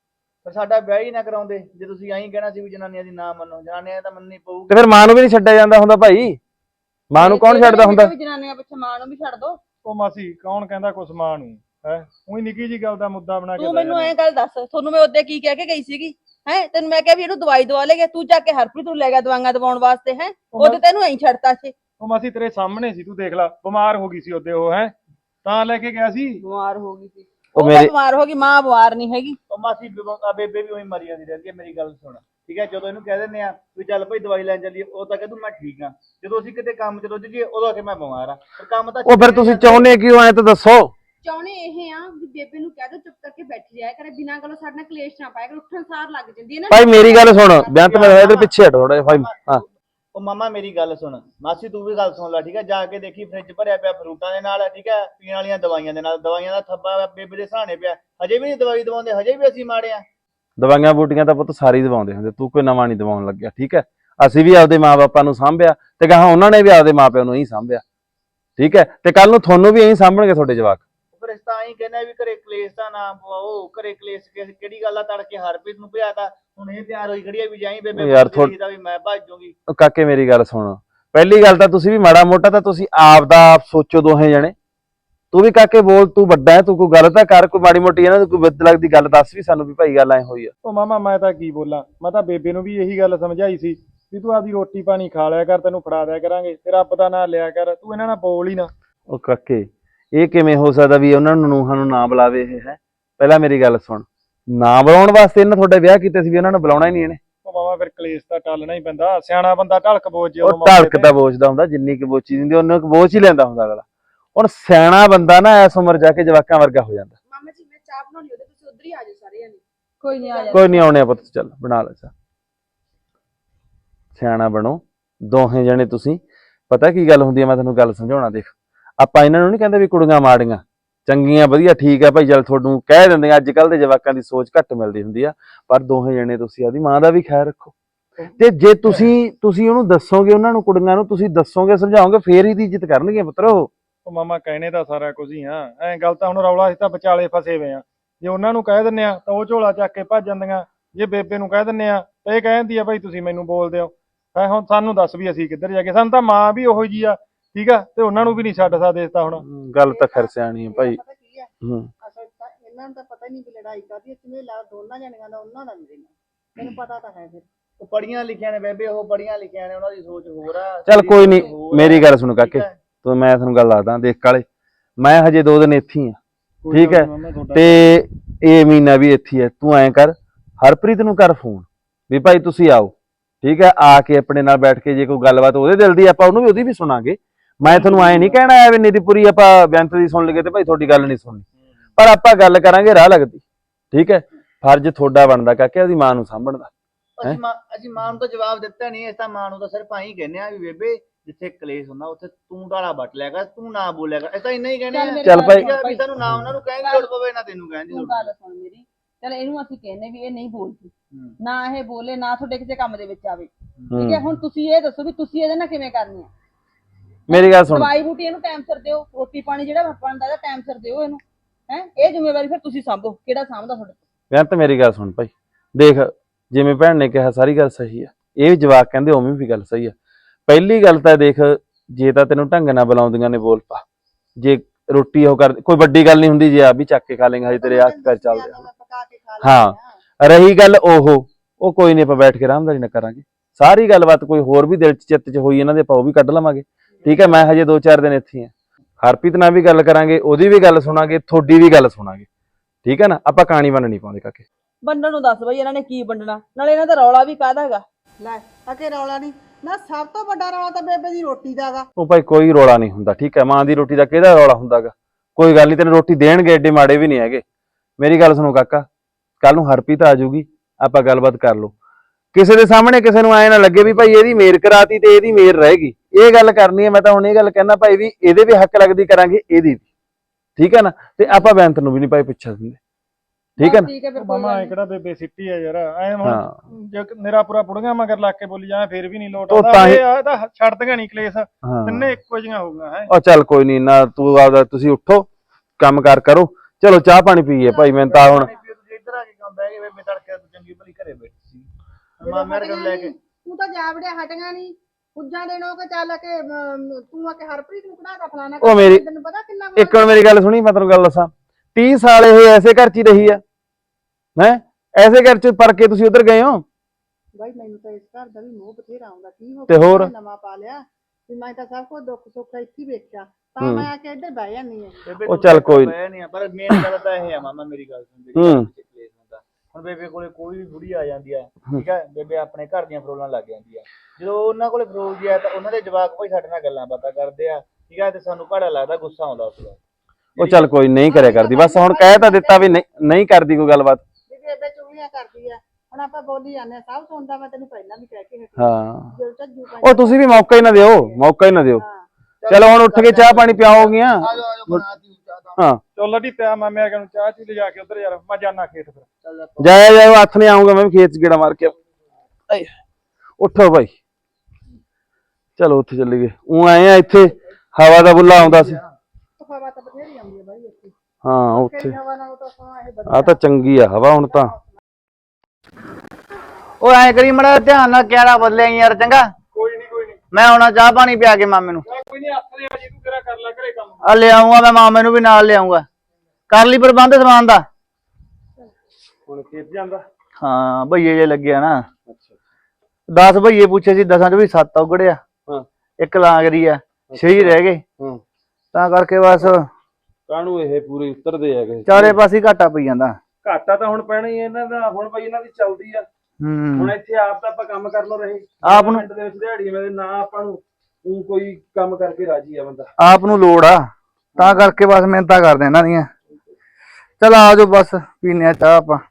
ਪਰ ਸਾਡਾ ਵਿਆਹ ਹੀ ਨਾ ਕਰਾਉਂਦੇ ਜੇ ਤੁਸੀਂ ਐਂ ਕਹਿਣਾ ਸੀ ਵੀ ਜਨਾਨੀਆਂ ਦੀ ਨਾ ਮੰਨੋ। ਜਨਾਨੀਆਂ ਤਾਂ ਮੰਨਣੀ ਪਊਗੀ।
ਤੇ ਫਿਰ ਮਾਂ ਨੂੰ ਵੀ ਨਹੀਂ ਛੱਡਿਆ ਜਾਂਦਾ ਹੁੰਦਾ ਭਾਈ। ਮਾਂ ਨੂੰ ਕੌਣ ਛੱਡਦਾ ਹੁੰਦਾ?
ਵੀ ਜਨਾਨੀਆਂ ਪਿੱਛੇ ਮਾਂ ਨੂੰ ਵੀ ਛੱਡ ਦੋ।
ਉਹ ਮਾਸੀ ਕੌਣ ਕਹਿੰਦਾ ਕੁਛ ਮਾਂ ਨੂੰ ਹੈ? ਉਹੀ ਨਿੱਕੀ ਜੀ ਗੱਲ ਦਾ ਮੁੱਦਾ ਬਣਾ ਕੇ
ਤੂੰ
ਬਹਿ
ਮੈਨੂੰ
ਜਾਂਦੇ।
ਐਂ ਗੱਲ ਦੱਸ, ਤੁਹਾਨੂੰ ਮੈਂ ਉਹਦੇ ਕੀ ਕਹਿ ਕੇ ਗਈ ਸੀਗੀ ਹੈ? ਤੈਨੂੰ ਮੈਂ ਕਿਹਾ ਵੀ ਇਹਨੂੰ ਦਵਾਈ ਦਵਾ ਲੈ ਗਿਆ, ਤੂੰ ਜਾ ਕੇ ਹਰਪ੍ਰੀਤ ਨੂੰ ਲੈ ਗਿਆ ਦਵਾਈਆਂ ਦਵਾਉਣ ਵਾਸਤੇ ਹੈ। ਉਹਦੇ ਤੈਨੂੰ ਐਂ ਛੱਡਤਾ ਸੀ।
ਉਹ ਮਾਸੀ ਤੇਰੇ ਸਾਹਮਣੇ ਸੀ, ਤੂੰ ਦੇਖ ਲੈ, ਬਿਮਾਰ ਹੋ ਗਈ ਸੀ ਉਹਦੇ ਉਹ ਹੈ, ਤਾਂ ਲੈ ਕੇ ਗਿਆ ਸੀ।
ਬਿਮਾਰ ਹੋ ਗਈ ਸੀ
ਉਹ
ਉਹ
ਮੇਰੇ-
ਬਿਮਾਰ ਹੋ ਗਈ, ਮਾਂ ਬਿਮਾਰ ਨਹੀਂ ਹੈਗੀ।
ਉਹ ਮਾਸੀ ਬਿਬ- ਆ ਬੇਬੇ ਵੀ ਉਹੀ ਮਰੀ ਜਾਂਦੀ ਰਹਿੰਦੀ ਹੈ। ਮੇਰੀ ਗੱਲ ਸੁਣ, ਠੀਕ ਹੈ? ਜਦੋਂ ਇਹਨੂੰ ਕਹਿ ਦਿੰਦੇ ਆ ਵੀ ਚੱਲ ਭਾਈ ਦਵਾਈ ਲੈਣ ਚੱਲੀਏ, ਉਹ ਤਾਂ ਕਹਿੰਦਾ ਮੈਂ ਠੀਕ ਆ। ਜਦੋਂ ਅਸੀਂ ਕਿਤੇ ਕੰਮ ਚ ਰੁੱਝ ਜਾਈਏ ਉਦੋਂ ਆ ਕੇ ਮੈਂ ਬਿਮਾਰ ਆ। ਪਰ ਕੰਮ ਤਾਂ
ਉਹ ਫਿਰ ਤੁਸੀਂ ਚਾਹੁੰਦੇ ਕਿਉਂ ਐ ਤਾਂ ਦੱਸੋ।
ਚਾਹੁੰਦੇ ਇਹ ਆ ਵੀ ਬੇਬੇ ਨੂੰ ਕਹਿ ਦੋ ਚੁੱਪ ਕਰਕੇ ਬੈਠੀ ਜਾਇਆ ਕਰੇ, ਬਿਨਾਂ ਗੱਲੋਂ ਸਾਡੇ ਨਾਲ ਕਲੇਸ਼ ਨਾ ਪਾਇਆ ਕਰ। ਉੱਠਣ ਸਾਰ ਲੱਗ ਜਾਂਦੀ ਹੈ ਨਾ।
ਭਾਈ ਮੇਰੀ ਗੱਲ ਸੁਣ, ਬੇਅੰਤ ਮੈਂ ਇਧਰ ਪਿੱਛੇ ਹਟ ਥੋੜਾ ਜਿਹਾ ਭਾਈ। ਹਾਂ
ਉਹ ਮਾਮਾ ਮੇਰੀ ਗੱਲ ਸੁਣ, ਮਾਸੀ ਤੂੰ ਵੀ ਗੱਲ ਸੁਣ ਲੈ, ਠੀਕ ਹੈ? ਜਾ ਕੇ ਦੇਖੀ ਫ੍ਰਿਜ ਭਰਿਆ ਪਿਆ ਫਰੂਟਾਂ ਦੇ ਨਾਲ, ਠੀਕ ਹੈ? ਪੀਣ ਵਾਲੀਆਂ ਦਵਾਈਆਂ ਦੇ ਨਾਲ, ਦਵਾਈਆਂ ਦਾ ਥੱਬਾ ਬੇਬੇ ਦੇ ਸਹਾਣੇ ਪਿਆ। ਹਜੇ ਵੀ ਨਹੀਂ ਦਵਾਈ ਦਵਾਉਂਦੇ, ਹਜੇ ਵੀ ਅਸੀਂ ਮਾੜੇ ਆ।
ਦਵਾਈਆਂ ਬੂਟੀਆਂ ਤਾਂ ਪੁੱਤ ਸਾਰੀ ਦਵਾਉਂਦੇ ਹੁੰਦੇ, ਤੂੰ ਕੋਈ ਨਵਾਂ ਨਹੀਂ ਦਵਾਉਣ ਲੱਗਿਆ, ਠੀਕ ਹੈ? ਅਸੀਂ ਵੀ ਆਪਦੇ ਮਾਪਿਆਂ ਨੂੰ ਸਾਂਭਿਆ ਤੇ ਕਹਾਂ ਉਹਨਾਂ ਨੇ ਵੀ ਆਪਦੇ ਮਾਪਿਆਂ ਨੂੰ ਹੀ ਸਾਂਭਿਆ, ਠੀਕ ਹੈ? ਤੇ ਕੱਲ ਨੂੰ ਤੁਹਾਨੂੰ ਵੀ ਇਹੀ ਸਾਂਭਣਗੇ ਤੁਹਾਡੇ ਜਵਾਕ।
ਪਰ ਇਸ ਤਾਂ ਐਂ ਕਹਿੰਦਾ ਵੀ ਘਰੇ ਕਲੇਸ਼ ਦਾ ਨਾ ਪਵਾਓ। ਘਰੇ ਕਲੇਸ਼ ਕਿਸ- ਕਿਹੜੀ ਗੱਲ ਆ? ਤੜਕੇ ਹਰਪ੍ਰੀਤ ਨੂੰ ਭਿਆਤਾ, ਹੁਣ ਇਹ ਤਿਆਰ ਹੋਈ ਖੜੀ ਆ ਵੀ ਜਾਈ ਬੇਬੇ
ਯਾਰ
ਯਾਰ
ਥੋੜ-
ਵੀ ਮੈਂ ਭੱਜ ਜਾਊਂਗੀ।
ਉਹ ਕਾਕੇ ਮੇਰੀ ਗੱਲ ਸੁਣ, ਪਹਿਲੀ ਗੱਲ ਤਾਂ ਤੁਸੀਂ ਵੀ ਮਾੜਾ ਮੋਟਾ ਤਾਂ ਤੁਸੀਂ ਆਪ ਦਾ ਆਪ ਸੋਚੋ ਦੋਹੇ ਜਣੇ। ਤੂੰ ਵੀ ਕਾਕੇ ਬੋਲ, ਤੂੰ ਵੱਡਾ ਹੈ, ਤੂੰ ਕੋਈ ਗੱਲ ਤਾਂ ਕਰ, ਕੋਈ ਮਾੜੀ ਮੋਟੀ ਇਹਨਾਂ ਨੂੰ ਕੋਈ ਬਿੱਦ ਲੱਗਦੀ ਗੱਲ ਦੱਸ ਵੀ ਸਾਨੂੰ ਵੀ ਭਾਈ ਗੱਲ ਐ ਹੋਈ ਆ।
ਉਹ ਮਾਮਾ ਮੈਂ ਤਾਂ ਕੀ ਬੋਲਾਂ, ਮੈਂ ਤਾਂ ਬੇਬੇ ਨੂੰ ਵੀ ਇਹੀ ਗੱਲ ਸਮਝਾਈ ਸੀ ਵੀ ਤੂੰ ਆਪਦੀ ਰੋਟੀ ਪਾਣੀ ਖਾ ਲਿਆ ਕਰ, ਤੈਨੂੰ ਫੜਾ ਦਿਆ ਕਰਾਂਗੇ, ਤੇ ਰੱਬ ਦਾ ਨਾਂ ਲਿਆ ਕਰ, ਤੂੰ ਇਹਨਾਂ ਨਾਲ ਬੋਲ ਹੀ ਨਾ।
ਉਹ ਕਾਕੇ ਇਹ ਕਿਵੇਂ ਹੋ ਸਕਦਾ ਵੀ ਉਹਨਾਂ ਨੂੰ ਨੂੰਹਾਂ ਨੂੰ ਨਾ ਬੁਲਾਵੇ ਇਹ ਹੈ? ਪਹਿਲਾਂ ਮੇਰੀ ਗੱਲ ਸੁਣ, ਨਾ ਬੁਲਾਉਣ ਵਾਸਤੇ ਇਹਨਾਂ ਤੁਹਾਡੇ ਵਿਆਹ ਕੀਤੇ ਸੀ ਵੀ ਉਹਨਾਂ ਨੂੰ ਬੁਲਾਉਣਾ ਹੀ ਨਹੀਂ ਇਹਨੇ।
ਉਹ ਮਾਮਾ ਫਿਰ ਕਲੇਸ਼ ਤਾਂ ਟਾਲਣਾ ਹੀ ਪੈਂਦਾ, ਸਿਆਣਾ ਬੰਦਾ ਢਲਕ ਬੋਝ ਜੇ
ਉਹ
ਉਦੋਂ ਮੌਕੇ
ਢਲਕ
ਤੇ।
ਤਾਂ ਬੋਝਦਾ ਹੁੰਦਾ, ਜਿੰਨੀ ਕੁ ਬੋਚੀ ਦਿੰਦੀ ਉਹਨੂੰ ਕੁ ਬੋਝ ਹੀ ਲੈਂਦਾ ਹੁੰਦਾ ਅਗਲਾ। ਹੁਣ ਸਿਆਣਾ ਬੰਦਾ ਨਾ ਇਸ ਉਮਰ ਜਾ ਕੇ ਜਵਾਕਾਂ ਵਰਗਾ ਹੋ ਜਾਂਦਾ।
ਮਾਮਾ ਜੀ ਮੈਂ ਚਾਹ ਬਣਾਉਣੀ ਉਹਦੇ, ਤੁਸੀਂ ਉਧਰ ਹੀ ਆ ਜਾਓ ਸਾਰੇ ਜਣੇ।
ਕੋਈ ਨਹੀਂ ਆ ਜਾ।
ਕੋਈ ਨਹੀਂ ਆਉਣੇ ਆ ਪੁੱਤ, ਚੱਲ ਬਣਾ ਲੈ ਚਾਹ। ਸਿਆਣਾ ਬਣੋ ਦੋਹੇ ਜਣੇ ਤੁਸੀਂ। ਪਤਾ ਕੀ ਗੱਲ ਹੁੰਦੀ ਹੈ, ਮੈਂ ਤੈਨੂੰ ਗੱਲ ਸਮਝਾਉਣਾ। ਦੇਖ, ਆਪਾਂ ਇਹਨਾਂ ਨੂੰ ਨਹੀਂ ਕਹਿੰਦੇ ਵੀ ਕੁੜੀਆਂ ਮਾੜੀਆਂ, ਚੰਗੀਆਂ ਵਧੀਆ ਠੀਕ ਆ ਭਾਈ, ਚੱਲ ਤੁਹਾਨੂੰ ਕਹਿ ਦਿੰਦੇ ਆ। ਅੱਜ ਕੱਲ ਦੇ ਜਵਾਕਾਂ ਦੀ ਸੋਚ ਘੱਟ ਮਿਲਦੀ ਹੁੰਦੀ ਆ, ਪਰ ਦੋਹੇ ਜਣੇ ਤੁਸੀਂ ਆਦੀ ਮਾਂ ਦਾ ਵੀ ਖਿਆਲ ਰੱਖੋ। ਤੇ ਜੇ ਤੁਸੀਂ ਤੁਸੀਂ ਉਹਨੂੰ ਦੱਸੋਗੇ, ਉਹਨਾਂ ਨੂੰ ਕੁੜੀਆਂ ਨੂੰ ਤੁਸੀਂ ਦੱਸੋਗੇ ਸਮਝਾਓਗੇ, ਫੇਰ ਹੀ ਦੀ ਇੱਜ਼ਤ ਕਰਨਗੇ ਪੁੱਤਰੋ।
ਉਹ ਮਾਮਾ ਕਹਿਣੇ ਤਾਂ ਸਾਰਾ ਕੁਝ ਹੀ ਆ, ਐਂ ਗੱਲ ਤਾਂ ਹੁਣ ਰੌਲਾ ਅਸੀਂ ਤਾਂ ਵਿਚਾਲੇ ਫਸੇ ਹੋਏ ਆ। ਜੇ ਉਹਨਾਂ ਨੂੰ ਕਹਿ ਦਿੰਨੇ ਆ ਤਾਂ ਉਹ ਝੋਲਾ ਚੱਕ ਕੇ ਭੱਜ ਜਾਂਦੀਆਂ, ਜੇ ਬੇਬੇ ਨੂੰ ਕਹਿ ਦਿੰਨੇ ਆ ਤਾਂ ਇਹ ਕਹਿੰਦੀ ਆ ਭਾਈ ਤੁਸੀਂ ਮੈਨੂੰ ਬੋਲਦੇ ਹੋ। ਐ ਹੁਣ ਸਾਨੂੰ ਦੱਸ ਵੀ ਅਸੀਂ ਕਿੱਧਰ ਜਾ ਕੇ, ਸਾਨੂੰ ਤਾਂ ਮਾਂ ਵੀ ਉਹੋ ਜੀ ਆ, ਠੀਕ ਆ? ਤੇ ਉਹਨਾਂ ਨੂੰ ਵੀ ਨਹੀਂ ਛੱਡ ਸਕਦੇ ਇਸ ਤਾਂ ਹੁਣ।
ਗੱਲ ਤਾਂ ਖੈਰ ਸਿਆਣੀ ਹੈ ਭਾਈ।
ਪਤਾ ਕੀ ਹੈ,
ਹੂੰ
ਅਸਲ ਤਾਂ ਇਹਨਾਂ ਨੂੰ ਤਾਂ ਪਤਾ ਹੀ ਨਹੀਂ ਵੀ ਲੜਾਈ ਕਾਹਦੀ ਹੈ। ਕਿਵੇਂ ਲਾ ਦੋਨਾਂ ਜਣੀਆਂ ਦਾ ਉਹਨਾਂ ਦਾ ਨਹੀਂ ਦੇਣਾ, ਮੈਨੂੰ ਪਤਾ ਤਾਂ ਹੈ ਫਿਰ।
ਉਹ ਪੜੀਆਂ ਲਿਖੀਆਂ ਨੇ ਬੇਬੇ, ਉਹ ਪੜੀਆਂ ਲਿਖੀਆਂ ਨੇ, ਉਹਨਾਂ ਦੀ ਸੋਚ ਹੋਰ ਆ।
ਚੱਲ
ਸਾਡੀ
ਕੋਈ
ਸੋਚ
ਨਹੀਂ,
ਹੋਰ ਆ,
ਮੇਰੀ ਗੱਲ ਸੁਣ
ਠੀਕ
ਕਾਕੇ,
ਹੈ?
ਤੂੰ ਮੈਂ ਤੁਹਾਨੂੰ ਗੱਲ ਦੱਸਦਾ। ਦੇਖ ਕਾਲੇ, ਮੈਂ ਹਜੇ ਦੋ ਦਿਨ ਇੱਥੇ ਹੀ ਆ,
ਕੋਈ
ਠੀਕ
ਗੱਲ
ਹੈ?
ਨੀ ਮਾਮਾ ਤੁਹਾਡਾ।
ਤੇ ਇਹ ਮਹੀਨਾ ਵੀ ਇੱਥੇ ਹੀ ਹੈ। ਤੂੰ ਐਂ ਕਰ, ਹਰਪ੍ਰੀਤ ਨੂੰ ਕਰ ਫੋਨ ਵੀ ਭਾਈ ਤੁਸੀਂ ਆਓ, ਠੀਕ ਹੈ? ਆ ਕੇ ਆਪਣੇ ਨਾਲ ਬੈਠ ਕੇ ਜੇ ਕੋਈ ਗੱਲਬਾਤ ਉਹਦੇ ਦਿਲ ਦੀ, ਆਪਾਂ ਉਹਨੂੰ ਵੀ ਉਹਦੀ ਵੀ ਸੁਣਾਂਗੇ। ਮੈਂ ਤੁਹਾਨੂੰ ਐਂ ਨਹੀਂ ਕਹਿਣਾ ਆ ਵੀ ਨਿਧੀਪੁਰੀ ਆਪਾਂ ਬੇਅੰਤ ਦੀ ਸੁਣ ਲਈਏ ਤੇ ਭਾਈ ਤੁਹਾਡੀ ਗੱਲ ਨਹੀਂ ਸੁਣਨੀ, ਪਰ ਆਪਾਂ ਗੱਲ ਕਰਾਂਗੇ ਰਾਹ ਲੱਗਦੀ, ਠੀਕ ਹੈ? ਫਰਜ਼ ਤੁਹਾਡਾ ਬਣਦਾ ਕਾਕੇ ਉਹਦੀ ਮਾਂ ਨੂੰ ਸਾਂਭਣ ਦਾ।
ਅਸੀਂ ਮਾਂ ਅਸੀਂ ਮਾਂ ਨੂੰ ਤਾਂ ਜਵਾਬ ਦਿੱਤਾ ਨਹੀਂ, ਇਸ ਤਾਂ ਮਾਂ ਨੂੰ ਤਾਂ ਸਿਰਫ ਆਈ ਕਹਿੰਦੇ ਆ ਵੀ ਬੇਬੇ ਜਿੱਥੇ ਕਲੇਸ਼ ਹੁੰਦਾ ਉੱਥੇ ਤੂੰ ਡਾਲਾ ਵੱਟ ਲਿਆ ਕਰ, ਤੂੰ ਨਾ ਬੋਲਿਆ ਕਰ, ਇਸ ਤਾਂ ਇੰਨਾ ਹੀ ਕਹਿੰਦੇ ਆ।
ਚੱਲ ਭਾਈ।
ਠੀਕ ਆ, ਵੀ ਸਾਨੂੰ ਨਾ ਉਹਨਾਂ ਨੂੰ ਕਹਿਣ ਦੀ ਲੋੜ ਪਵੇ ਨਾ ਤੈਨੂੰ ਕਹਿਣ ਦੀ
ਤੂੰ
ਲੋੜ
ਗੱਲ ਸੁਣ ਮੇਰੀ, ਚਲ ਇਹਨੂੰ ਅਸੀਂ ਕਹਿੰਨੇ ਵੀ ਇਹ ਨਹੀਂ ਬੋਲਦੀ,
ਹੂੰ।
ਨਾ ਇਹ ਬੋਲੇ, ਨਾ ਤੁਹਾਡੇ ਕਿਸੇ ਕੰਮ ਦੇ ਵਿੱਚ ਆਵੇ,
ਹੂੰ।
ਠੀਕ ਹੈ। ਹੁਣ ਤੁਸੀਂ ਇਹ ਦੱਸੋ ਵੀ ਤੁਸੀਂ ਇਹਦੇ ਨਾਲ ਕਿਵੇਂ ਕਰਨੀ ਆ?
ਮੇਰੀ ਗੱਲ ਸੁਣ,
ਦਵਾਈ ਬੂਟੀ ਇਹਨੂੰ ਟਾਈਮ ਸਿਰ ਦਿਓ, ਰੋਟੀ ਪਾਣੀ ਜਿਹੜਾ ਬਣਦਾ ਇਹਦਾ ਟਾਈਮ ਸਿਰ ਦਿਓ ਇਹਨੂੰ, ਹੈ ਇਹ ਜ਼ਿੰਮੇਵਾਰੀ ਫਿਰ ਤੁਸੀਂ ਸੰਭੋ, ਕਿਹੜਾ ਸਾਂਭਦਾ ਤੁਹਾਡੇ ਤੋਂ?
ਬੇਅੰਤ ਮੇਰੀ ਗੱਲ ਸੁਣ ਭਾਈ, ਦੇਖ ਜਿਵੇਂ ਭੈਣ ਨੇ ਕਿਹਾ ਸਾਰੀ ਗੱਲ ਸਹੀ ਆ, ਇਹ ਵੀ ਜਵਾਕ ਕਹਿੰਦੇ ਉਵੇਂ ਵੀ ਗੱਲ ਸਹੀ ਆ। ਪਹਿਲੀ ਗੱਲ ਤਾਂ ਦੇਖ, ਜੇ ਤਾਂ ਤੈਨੂੰ ਢੰਗ ਨਾਲ ਬੁਲਾਉਂਦੀਆਂ ਨੇ ਬੋਲ ਪਾ, ਜੇ ਰੋਟੀ ਉਹ ਕਰ ਕੋਈ ਵੱਡੀ ਗੱਲ ਨਹੀਂ ਹੁੰਦੀ, ਜੇ ਆ ਵੀ ਚੱਕ ਕੇ ਖਾ ਲੇਗਾ, ਹਜੇ ਤੇਰੇ ਹੱਥ ਪੈਰ ਚੱਲਦੇ ਆ।
ਪਕਾ ਕੇ ਖਾ
ਹਾਂ ਰਹੀ ਗੱਲ ਉਹ ਉਹ ਕੋਈ ਨਹੀਂ, ਆਪਾਂ ਬੈਠ ਕੇ ਆਰਾਮਦਾਰੀ ਨਾਲ ਕਰਾਂਗੇ ਸਾਰੀ ਗੱਲਬਾਤ, ਕੋਈ ਹੋਰ ਵੀ ਦਿਲ ਚ ਚਿੱਤ ਚ ਹੋਈ ਇਹਨਾਂ ਦੇ ਆਪਾਂ ਉਹ ਵੀ ਕੱਢ ਲਵਾਂਗੇ, ਠੀਕ ਹੈ। ਮੈਂ ਹਜੇ ਦੋ ਚਾਰ ਦਿਨ ਇੱਥੇ ਆ, ਹਰਪ੍ਰੀਤ ਨਾਲ ਵੀ ਗੱਲ ਕਰਾਂਗੇ, ਉਹਦੀ ਵੀ ਗੱਲ ਸੁਣਾਂਗੇ, ਤੁਹਾਡੀ ਵੀ ਗੱਲ ਸੁਣਾਂਗੇ, ਠੀਕ ਹੈ ਨਾ। ਆਪਾਂ ਕਹਾਣੀ ਬਣ ਨਹੀਂ ਪਾਉਂਦੇ ਕਾਕੇ।
ਵੰਡਣ ਨੂੰ ਦੱਸ ਬਈ ਇਹਨਾਂ ਨੇ ਕੀ ਵੰਡਣਾ, ਨਾਲੇ ਇਹਨਾਂ ਦਾ ਰੌਲਾ ਵੀ ਕਾਹਦਾ ਹੈਗਾ?
ਲੈ ਅਕੇ ਰੌਲਾ ਨਹੀਂ ਨਾ, ਸਭ ਤੋਂ ਵੱਡਾ ਰੌਲਾ ਤਾਂ ਬੇਬੇ ਦੀ ਰੋਟੀ ਦਾ ਗਾ।
ਉਹ ਭਾਈ ਕੋਈ ਰੌਲਾ ਨਹੀਂ ਹੁੰਦਾ, ਠੀਕ ਹੈ। ਮਾਂ ਦੀ ਰੋਟੀ ਦਾ ਕਿਹਦਾ ਰੌਲਾ ਹੁੰਦਾਗਾ? ਕੋਈ ਗੱਲ ਨਹੀਂ, ਤੈਨੂੰ ਰੋਟੀ ਦੇਣਗੇ, ਏਡੇ ਮਾੜੇ ਵੀ ਨਹੀਂ ਹੈਗੇ। ਮੇਰੀ ਗੱਲ ਸੁਣੋ ਕਾਕਾ, ਕੱਲ ਨੂੰ ਹਰਪ੍ਰੀਤ ਆ ਜਾਊਗੀ, ਆਪਾਂ ਗੱਲਬਾਤ ਕਰ ਲਓ। ਕਿਸੇ ਦੇ ਸਾਹਮਣੇ ਕਿਸੇ ਨੂੰ ਐ ਨਾ ਲੱਗੇ ਵੀ ਭਾਈ ਇਹਦੀ ਮੇਰ ਕਰਾਤੀ ਤੇ ਇਹਦੀ ਮੇਰ ਰਹੇਗੀ, ਇਹ ਗੱਲ ਕਰਨੀ ਹੈ। ਮੈਂ ਤਾਂ ਹੁਣ ਇਹ ਗੱਲ ਕਹਿਣਾ ਭਾਈ ਵੀ ਇਹਦੇ ਵੀ ਹੱਕ ਲੱਗਦੀ ਕਰਾਂਗੇ, ਇਹਦੀ ਵੀ, ਠੀਕ ਹੈ ਨਾ। ਤੇ ਆਪਾਂ ਬੇਅੰਤ ਨੂੰ ਵੀ ਨਹੀਂ ਭਾਈ ਪੁੱਛਿਆ ਦਿੰਦੇ, ਠੀਕ ਹੈ ਨਾ।
ਠੀਕ ਹੈ ਫਿਰ ਕੋਈ
ਮਾਮਾ
ਗੱਲ
ਐ ਕਿਹੜਾ ਬੇਬੇ ਸਿੱਟੀ ਆ ਯਾਰ, ਐ ਹੁਣ
ਹਾਂ।
ਜੇ ਮੇਰਾ ਪੂਰਾ ਪੁੜੀਆਂ ਮਗਰ ਲੱਗ ਕੇ ਬੋਲੀ ਜਾਵੇਂ ਫੇਰ ਵੀ ਨਹੀਂ ਲੋਟ
ਉਹ
ਆਉਂਦਾ।
ਤਾਂ ਹੀ-
ਇਹ ਆ ਤਾਂ ਛੱਡਦੀਆਂ ਨਹੀਂ ਕਲੇਸ਼,
ਹਾਂ
ਤਿੰਨੇ ਇੱਕੋ ਜਿਹੀਆਂ ਹੋ ਗਈਆਂ ਹੈ।
ਉਹ ਚੱਲ ਕੋਈ ਨਹੀਂ ਨਾ, ਤੂੰ ਆਪਦਾ ਤੁਸੀਂ ਉੱਠੋ, ਕੰਮ ਕਾਰ ਕਰੋ, ਚਲੋ ਚਾਹ ਪਾਣੀ ਪੀਏ ਭਾਈ। ਮੈਂ ਤਾਂ ਹੁਣ
ਤੁਸੀਂ ਇੱਧਰ ਆ ਕੇ ਕੰਮ ਬਹਿ ਗਏ, ਬੇਬੇ ਤੜਕੇ ਤੂੰ ਚੰਗੀ ਭਲੀ ਘਰੇ ਬੈਠੀ ਸੀ, ਮਾਮੇ ਕੋਲ ਲੈ ਕੇ।
ਤੂੰ ਤਾਂ ਜਾ ਵੜਿਆ ਹਟੀਆਂ ਨਹੀਂ, ਪੁੱਜਾਂ ਦੇਣੋ ਕਿ ਚੱਲ ਕੇ ਅਮ, ਤੂੰ ਆ ਕੇ ਹਰਪ੍ਰੀਤ ਨੂੰ ਕਢਾ ਕੇ ਫਲਾਣਾ
ਉਹ ਮੇਰੀ-
ਤੈਨੂੰ ਪਤਾ ਕਿੰਨਾ
ਇੱਕ ਮਿੰਟ ਮੇਰੀ ਗੱਲ ਸੁਣੀ, ਮੈਂ ਤੈਨੂੰ ਗੱਲ ਦੱਸਾਂ। ਤੀਹ ਸਾਲ ਇਹ ਐਸੇ ਘਰ ਚ ਹੀ ਰਹੀ ਆ, ਹੈ ਐਸੇ ਘਰ ਚ ਪਰ ਕੇ ਤੁਸੀਂ ਉਧਰ ਗਏ ਹੋ।
ਬਾਈ ਮੈਨੂੰ ਤਾਂ ਇਸ ਘਰ ਦਾ ਵੀ ਮੋਹ ਬਥੇਰਾ ਆਉਂਦਾ, ਕੀ ਹੋ
ਤੇ
ਗਿਆ
ਹੋਰ?
ਮੈਂ ਨਵਾਂ ਪਾ ਲਿਆ ਵੀ ਮੈਂ ਤਾਂ ਸਭ ਕੁਝ ਦੁੱਖ ਸੁੱਖ ਇੱਥੇ ਹੀ ਵੇਖਿਆ, ਤਾਂ ਮੈਂ ਆ ਕੇ ਇੱਧਰ ਬਹਿ ਜਾਂਦੀ ਹਾਂ।
ਬੇਬੇ
ਉਹ
ਤੂੰ
ਚੱਲ
ਤਾਂ
ਕੋਈ
ਬਹਿ ਨਹੀਂ ਆ, ਪਰ ਮੇਨ ਗੱਲ ਤਾਂ ਇਹ ਆ ਮਾਮਾ, ਮੇਰੀ ਗੱਲ ਸੁਣ, ਜਿਹੜੀ
ਹੂੰ।
ਗੱਲ ਵਿੱਚ ਕਲੇਸ਼ ਹੁੰਦਾ। ਹੁਣ ਬੇਬੇ ਕੋਲੇ ਕੋਈ ਵੀ ਬੁੜੀ ਆ ਜਾਂਦੀ ਆ, ਠੀਕ ਹੈ, ਬੇਬੇ ਆਪਣੇ ਘਰ ਦੀਆਂ ਫਰੋਲਾਂ ਲੱਗ ਜਾਂਦੀ ਆ। ਜਦੋਂ ਉਹਨਾਂ ਕੋਲੇ ਫਰੋਲਦੀ ਆ ਤਾਂ ਉਹਨਾਂ ਦੇ ਜਵਾਕ ਭਾਈ ਸਾਡੇ ਨਾਲ ਗੱਲਾਂ ਬਾਤਾਂ ਕਰਦੇ ਆ, ਠੀਕ ਹੈ, ਤੇ ਸਾਨੂੰ ਭੜਾ ਲੱਗਦਾ, ਗੁੱਸਾ ਆਉਂਦਾ ਉਸ ਦਾ।
ਉਹ ਚੱਲ ਕੋਈ ਨਹੀਂ ਕਰਿਆ ਕਰਦੀ, ਬਸ ਹੁਣ ਕਹਿ ਤਾਂ ਦਿੱਤਾ ਵੀ ਨਹੀਂ ਨਹੀਂ ਕਰਦੀ ਕੋਈ ਗੱਲਬਾਤ।
ਵੀ ਬੇਬੇ ਚੁਗਲੀਆਂ ਕਰਦੀ ਆ, ਹੁਣ ਆਪਾਂ ਬੋਲੀ ਜਾਂਦੇ ਆ, ਸਭ ਸੁਣਦਾ, ਮੈਂ ਤੈਨੂੰ ਪਹਿਲਾਂ ਵੀ ਕਹਿ ਕੇ ਹਟੀ
ਹਾਂ
ਜਦੋਂ ਝੱਜੂ
ਉਹ ਤੁਸੀਂ ਵੀ ਮੌਕਾ ਹੀ ਨਾ ਦਿਓ, ਮੌਕਾ ਹੀ ਨਾ ਦਿਓ। ਚਲੋ ਹੁਣ ਉੱਠ ਕੇ ਚਾਹ ਪਾਣੀ ਪਿਆਓਗੀਆਂ।
ਆ ਜਾਓ ਆ ਜਾਓ, ਬਣਾਤੀ ਚਾਹ ਤਾਂ।
ਹਾਂ
ਚੱਲ ਲੱਡੀ ਪਿਆ ਮਾਮੇ ਆ ਕੇ ਨੂੰ ਚਾਹ ਚੂਹ ਲਿਜਾ ਕੇ ਉਧਰ ਯਾਰ, ਮੈਂ ਜਾਣਾ ਖੇਤ ਫਿਰ।
ਚੱਲ ਆਪਾਂ
ਜਾਇਆ ਜਾਇਓ, ਹੱਥ ਨਹੀਂ ਆਉਂਗਾ, ਮੈਂ ਵੀ ਖੇਤ ਚ ਗੇੜਾ ਮਾਰ ਕੇ ਆਊਂ। ਆਏ, ਉੱਠੋ ਭਾਈ, ਚਲੋ ਉੱਥੇ ਚੱਲੀਏ। ਉਹ ਆਏ ਆ ਇੱਥੇ ਹਵਾ ਦਾ ਬੁੱਲਾ ਆਉਂਦਾ ਸੀ।
ਹਵਾ ਤਾਂ ਬਥੇਰੀ ਆਉਂਦੀ ਹੈ ਬਾਈ ਇੱਥੇ,
ਹਾਂ ਉੱਥੇ
ਤੇਰੀ ਹਵਾ ਨਾਲ ਤਾਂ ਸੋਹਣਾ ਇਹ
ਆ ਤਾਂ ਚੰਗੀ ਆ ਹਵਾ ਹੁਣ ਤਾਂ।
ਉਹ ਐ ਕਰੀ ਮੜਾ ਧਿਆਨ ਨਾਲ ਕਿਹੜਾ ਬਦਲਿਆ ਯਾਰ, ਚੰਗਾ।
ਕੋਈ ਨਹੀਂ ਕੋਈ ਨਹੀਂ,
ਮੈਂ ਆਉਣਾ ਚਾਹ ਪਾਣੀ ਪਿਆ ਕੇ ਮਾਮੇ ਨੂੰ।
ਕੋਈ ਨਹੀਂ, ਹੱਥ ਲਿਆ ਜੀ ਤੂੰ ਤੇਰਾ ਕਰ ਲੈ ਘਰੇ ਕੰਮ।
ਆ ਲਿਆਉਂਗਾ ਮੈਂ, ਮਾਮੇ ਨੂੰ ਵੀ ਨਾਲ ਲਿਆਉਂਗਾ। ਕਰ ਲਈ ਪ੍ਰਬੰਧ ਸਮਾਨ ਦਾ।
ਹੁਣ ਖੇਤ ਜਾਂਦਾ।
ਹਾਂ ਭਈਏ ਜੇ ਲੱਗਿਆ ਨਾ, ਦਸ ਭਈਏ ਪੁੱਛੇ ਸੀ, ਦਸਾਂ ਚ ਵੀ ਸੱਤ ਉਗੜਿਆ,
ਹਾਂ
ਇੱਕ ਲਾਂਗਰੀ ਆ, ਛੇ ਰਹਿ ਗਏ।
ਹਾਂ
ਤਾਂ ਕਰਕੇ ਬਸ
ਕਾਹਨੂੰ ਇਹ ਪੂਰੇ ਉਤਰਦੇ ਹੈਗੇ,
ਚਾਰੇ ਪਾਸੇ ਘਾਟਾ ਪਈ ਜਾਂਦਾ।
ਘਾਟਾ ਤਾਂ ਹੁਣ ਪੈਣਾ ਹੀ ਇਹਨਾਂ ਦਾ। ਹੁਣ ਬਈ ਇਹਨਾਂ ਦੀ ਚੱਲਦੀ ਆ,
ਹੂੰ
ਹੁਣ ਇੱਥੇ ਆਪ ਤਾਂ ਆਪਾਂ ਕੰਮ ਕਰ ਲੋ ਰਹੇ
ਆਪ ਨੂੰ
ਪਿੰਡ ਦੇ ਵਿੱਚ ਦਿਹਾੜੀ ਮੇਰੇ ਨਾ ਆਪਾਂ ਨੂੰ ਊਂ ਕੋਈ ਕੰਮ ਕਰਕੇ ਰਾਜੀ ਆ ਬੰਦਾ।
ਆਪ ਨੂੰ ਲੋੜ ਆ, ਤਾਂ ਕਰਕੇ ਬਸ ਮਿਹਨਤਾਂ ਕਰਦੇ ਇਹਨਾਂ ਦੀਆਂ। ਚਲ ਆ ਜਾਓ, ਬਸ ਪੀਨੇ ਆ ਚਾਹ ਆਪਾਂ।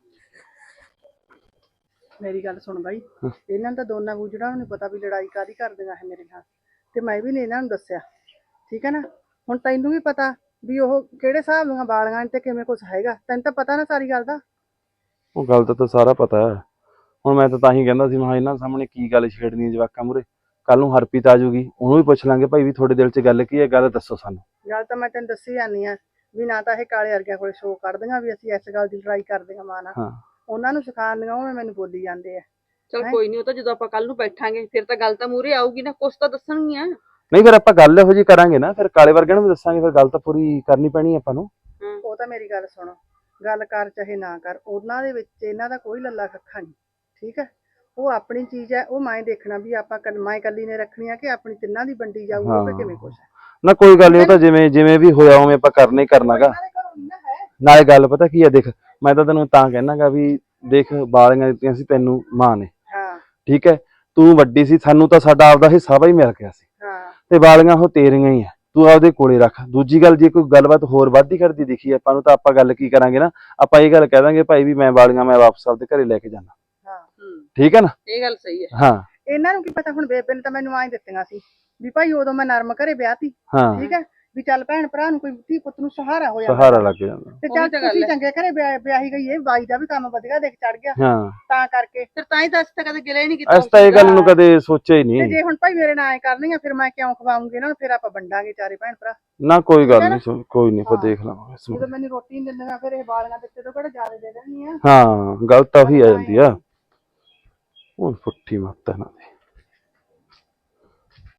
ਮੇਰੀ ਗੱਲ ਸੁਣ ਬਾਈ, ਇਹਨਾਂ ਨੂੰ ਤਾਂ ਦੋਨਾਂ ਗੁਜਰਾਂ ਨੂੰ ਨੀ ਪਤਾ ਵੀ ਲੜਾਈ ਕਾਦੀ ਕਰਦੀਆਂ ਇਹ ਮੇਰੇ ਨਾਲ, ਤੇ ਮੈਂ ਵੀ ਨੀ ਇਹਨਾਂ ਨੂੰ ਦੱਸਿਆ, ਠੀਕ ਹੈ ਨਾ। ਹੁਣ ਤੈਨੂੰ ਵੀ ਪਤਾ ਵੀ ਉਹ ਕਿਹੜੇ ਹਿਸਾਬ ਦੀਆਂ ਬਾਲੀਆਂ ਨੇ ਤੇ ਕਿਵੇਂ ਕੁਛ ਹੈਗਾ, ਤੈਨੂੰ ਤਾਂ ਪਤਾ ਨਾ ਸਾਰੀ ਗੱਲ ਦਾ।
ਉਹ ਗੱਲ ਤਾਂ ਤਾਂ ਸਾਰਾ ਪਤਾ ਹੈ। ਹੁਣ ਮੈਂ ਤਾਂ ਤਾਂ ਹੀ ਕਹਿੰਦਾ ਸੀ, ਮੈਂ ਇਹਨਾਂ ਸਾਹਮਣੇ ਕੀ ਗੱਲ ਛੇੜਨੀ ਹੈ ਜਵਾਕਾਂ ਮੂਰੇ। ਕੱਲ ਨੂੰ ਹਰਪ੍ਰੀਤ ਆ ਜਾਊਗੀ, ਉਹਨੂੰ ਵੀ ਪੁੱਛ ਲਾਂਗੇ ਭਾਈ ਵੀ ਤੁਹਾਡੇ ਦਿਲ 'ਚ ਗੱਲ ਕੀ ਹੈ, ਗੱਲ ਦੱਸੋ ਸਾਨੂੰ।
ਗੱਲ ਤਾਂ ਮੈਂ ਤੈਨੂੰ ਦੱਸੀ ਜਾਂਦੀ ਆ ਵੀ ਨਾ ਤਾਂ ਇਹ ਕਾਲੇ ਵਰਗਿਆਂ ਕੋਲੇ ਸ਼ੋਅ ਕੱਢਦੀਆਂ ਵੀ ਅਸੀਂ ਇਸ ਗੱਲ ਦੀ ਲੜਾਈ ਕਰਦੀਆਂ ਮਾਂ ਨਾਲ,
ਹਾਂ
ਉਹਨਾਂ ਨੂੰ ਸਿਖਾਉਂਦੀਆਂ ਉਹ ਮੈਨੂੰ ਬੋਲੀ ਜਾਂਦੇ ਆ।
ਚਲ ਕੋਈ ਨਹੀਂ, ਉਹ ਤਾਂ ਜਦੋਂ ਆਪਾਂ ਕੱਲ ਨੂੰ ਬੈਠਾਂਗੇ ਫਿਰ ਤਾਂ ਗੱਲ ਤਾਂ ਮੂਹਰੇ ਆਊਗੀ ਨਾ, ਕੁਛ ਤਾਂ ਦੱਸਣਗੀਆਂ।
ਨਹੀਂ ਫਿਰ ਆਪਾਂ ਗੱਲ ਇਹੋ ਜਿਹੀ ਕਰਾਂਗੇ ਨਾ, ਫਿਰ ਕਾਲੇ ਵਰਗਿਆਂ ਨੂੰ ਵੀ ਦੱਸਾਂਗੇ, ਫਿਰ ਗੱਲ ਤਾਂ ਪੂਰੀ ਕਰਨੀ ਪੈਣੀ ਆਪਾਂ ਨੂੰ।
ਉਹ ਤਾਂ ਮੇਰੀ ਗੱਲ ਸੁਣੋ, ਗੱਲ ਕਰ ਚਾਹੇ ਨਾ ਕਰ, ਉਹਨਾਂ ਦੇ ਵਿੱਚ ਇਹਨਾਂ ਦਾ ਕੋਈ ਲੱਲਾ ਕੱਖਾ ਨਹੀਂ, ਠੀਕ ਹੈ। ਉਹ ਆਪਣੀ ਚੀਜ਼ ਹੈ, ਉਹ ਮੈਂ ਦੇਖਣਾ ਵੀ ਆਪਾਂ ਕ- ਮੈਂ ਇਕੱਲੀ ਨੇ ਰੱਖਣੀ ਆ ਕਿ ਆਪਣੀ ਤਿੰਨਾਂ ਦੀ ਵੰਡੀ ਜਾਊਗੀ, ਉਹ ਕਿਵੇਂ ਕੁਛ ਹੈ।
ਨਾ ਕੋਈ ਗੱਲ ਨਹੀਂ, ਉਹ ਤਾਂ ਜਿਵੇਂ ਜਿਵੇਂ ਵੀ ਹੋਇਆ ਉਵੇਂ ਆਪਾਂ ਕਰਨਾ ਹੀ ਕਰਨਾਗਾ।
ਇਹਨਾਂ ਦੇ ਘਰੋਂ ਨੀ ਨਾ ਹੈ।
ਨਾਲੇ ਗੱਲ ਪਤਾ ਕੀ ਆ, ਦੇਖ ਮੈਂ ਤਾਂ ਤੈਨੂੰ ਤਾਂ ਕਹਿਣਾਗਾ ਵੀ ਦੇਖ ਬਾਲੀਆਂ ਦਿੱਤੀਆਂ ਸੀ ਤੈਨੂੰ ਮਾਂ ਨੇ,
ਹਾਂ
ਠੀਕ ਹੈ। ਤੂੰ ਵੱਡੀ ਸੀ, ਸਾਨੂੰ ਤਾਂ ਸਾਡਾ ਆਪਦਾ ਹਿੱਸਾ ਵੀ ਮਿਲ ਗਿਆ ਸੀ,
ਹਾਂ
ਤੇ ਬਾਲੀਆਂ ਉਹ ਤੇਰੀਆਂ ਹੀ ਆ, ਤੂੰ ਆਪਦੇ ਕੋਲੇ ਰੱਖ। ਦੂਜੀ ਗੱਲ, ਜੇ ਕੋਈ ਗੱਲਬਾਤ ਹੋਰ ਵੱਧਦੀ ਕਰਦੀ ਦਿਖੀ ਆਪਾਂ ਨੂੰ, ਤਾਂ ਆਪਾਂ ਗੱਲ ਕੀ ਕਰਾਂਗੇ ਨਾ, ਆਪਾਂ ਇਹ ਗੱਲ ਕਹਿ ਦਾਂਗੇ ਭਾਈ ਵੀ ਮੈਂ ਬਾਲੀਆਂ ਮੈਂ ਵਾਪਸ ਆਪਦੇ ਘਰੇ ਲੈ ਕੇ ਜਾਣਾ,
ਹਾਂ
ਠੀਕ ਹੈ ਨਾ।
ਇਹ ਗੱਲ ਸਹੀ ਹੈ।
ਹਾਂ
ਇਹਨਾਂ ਨੂੰ ਕੀ ਪਤਾ, ਹੁਣ ਬੇਬੇ ਨੇ ਤਾਂ ਮੈਨੂੰ ਆਏ ਦਿੱਤੀਆਂ ਸੀ ਵੀ ਭਾਈ ਉਦੋਂ ਮੈਂ ਨਰਮ ਘਰੇ ਵਿਆਹਤੀ,
ਹਾਂ
ਠੀਕ ਹੈ, ਵੀ ਚੱਲ ਭੈਣ ਭਰਾ ਨੂੰ ਕੋਈ ਧੀ ਪੁੱਤ ਨੂੰ ਸਹਾਰਾ ਹੋ ਜਾਂਦਾ,
ਸਹਾਰਾ ਲੱਗ ਜਾਂਦਾ।
ਤੇ
ਉਹੀ
ਚੱਲ
ਤਾਂ ਗੱਲ
ਤੁਸੀਂ
ਹੈ।
ਚੰਗੇ ਘਰੇ ਵਿਆਹ- ਵਿਆਹੀ ਗਈ, ਇਹ ਬਾਈ ਦਾ ਵੀ ਕੰਮ ਵਧੀਆ ਦੇਖ ਚੜ ਗਿਆ,
ਹਾਂ
ਤਾਂ ਕਰਕੇ।
ਫਿਰ ਤਾਂ ਹੀ ਤਾਂ ਅਸੀਂ ਤਾਂ ਕਦੇ ਗਿਲੇ ਨਹੀਂ ਕੀਤਾ
ਅਸੀਂ ਤਾਂ ਇਹ ਗੱਲ ਨੂੰ ਕਦੇ ਸੋਚਿਆ ਹੀ
ਤੇ
ਨਹੀਂ।
ਜੇ ਹੁਣ ਭਾਈ ਮੇਰੇ ਨਾਲ ਐ ਕਰਨਗੀਆਂ ਫਿਰ ਮੈਂ ਕਿਉਂ ਖਵਾਉਂਗੀ ਇਹਨਾਂ ਨੂੰ, ਫਿਰ ਆਪਾਂ ਵੰਡਾਂਗੇ ਚਾਰੇ ਭੈਣ ਭਰਾ।
ਨਾ ਕੋਈ ਗੱਲ ਨਹੀਂ, ਕੋਈ ਨਹੀਂ, ਆਪਾਂ ਦੇਖ ਲਵਾਂਗੇ ਇਸ
ਜਦੋਂ
ਨੂੰ।
ਮੈਨੂੰ ਰੋਟੀ ਨਹੀਂ ਦਿੰਦੀਆਂ ਫਿਰ ਇਹ ਬਾਲੀਆਂ ਦਿੱਤੇ ਤੋਂ ਕਿਹੜਾ ਜ਼ਿਆਦਾ ਦੇ ਦੇਣਗੀਆਂ।
ਹਾਂ ਗੱਲ ਤਾਂ ਉਹੀ ਆ ਜਾਂਦੀ ਆ, ਹੁਣ ਪੁੱਠੀ ਮੱਤ ਹੈ ਨਾ ਦੀ।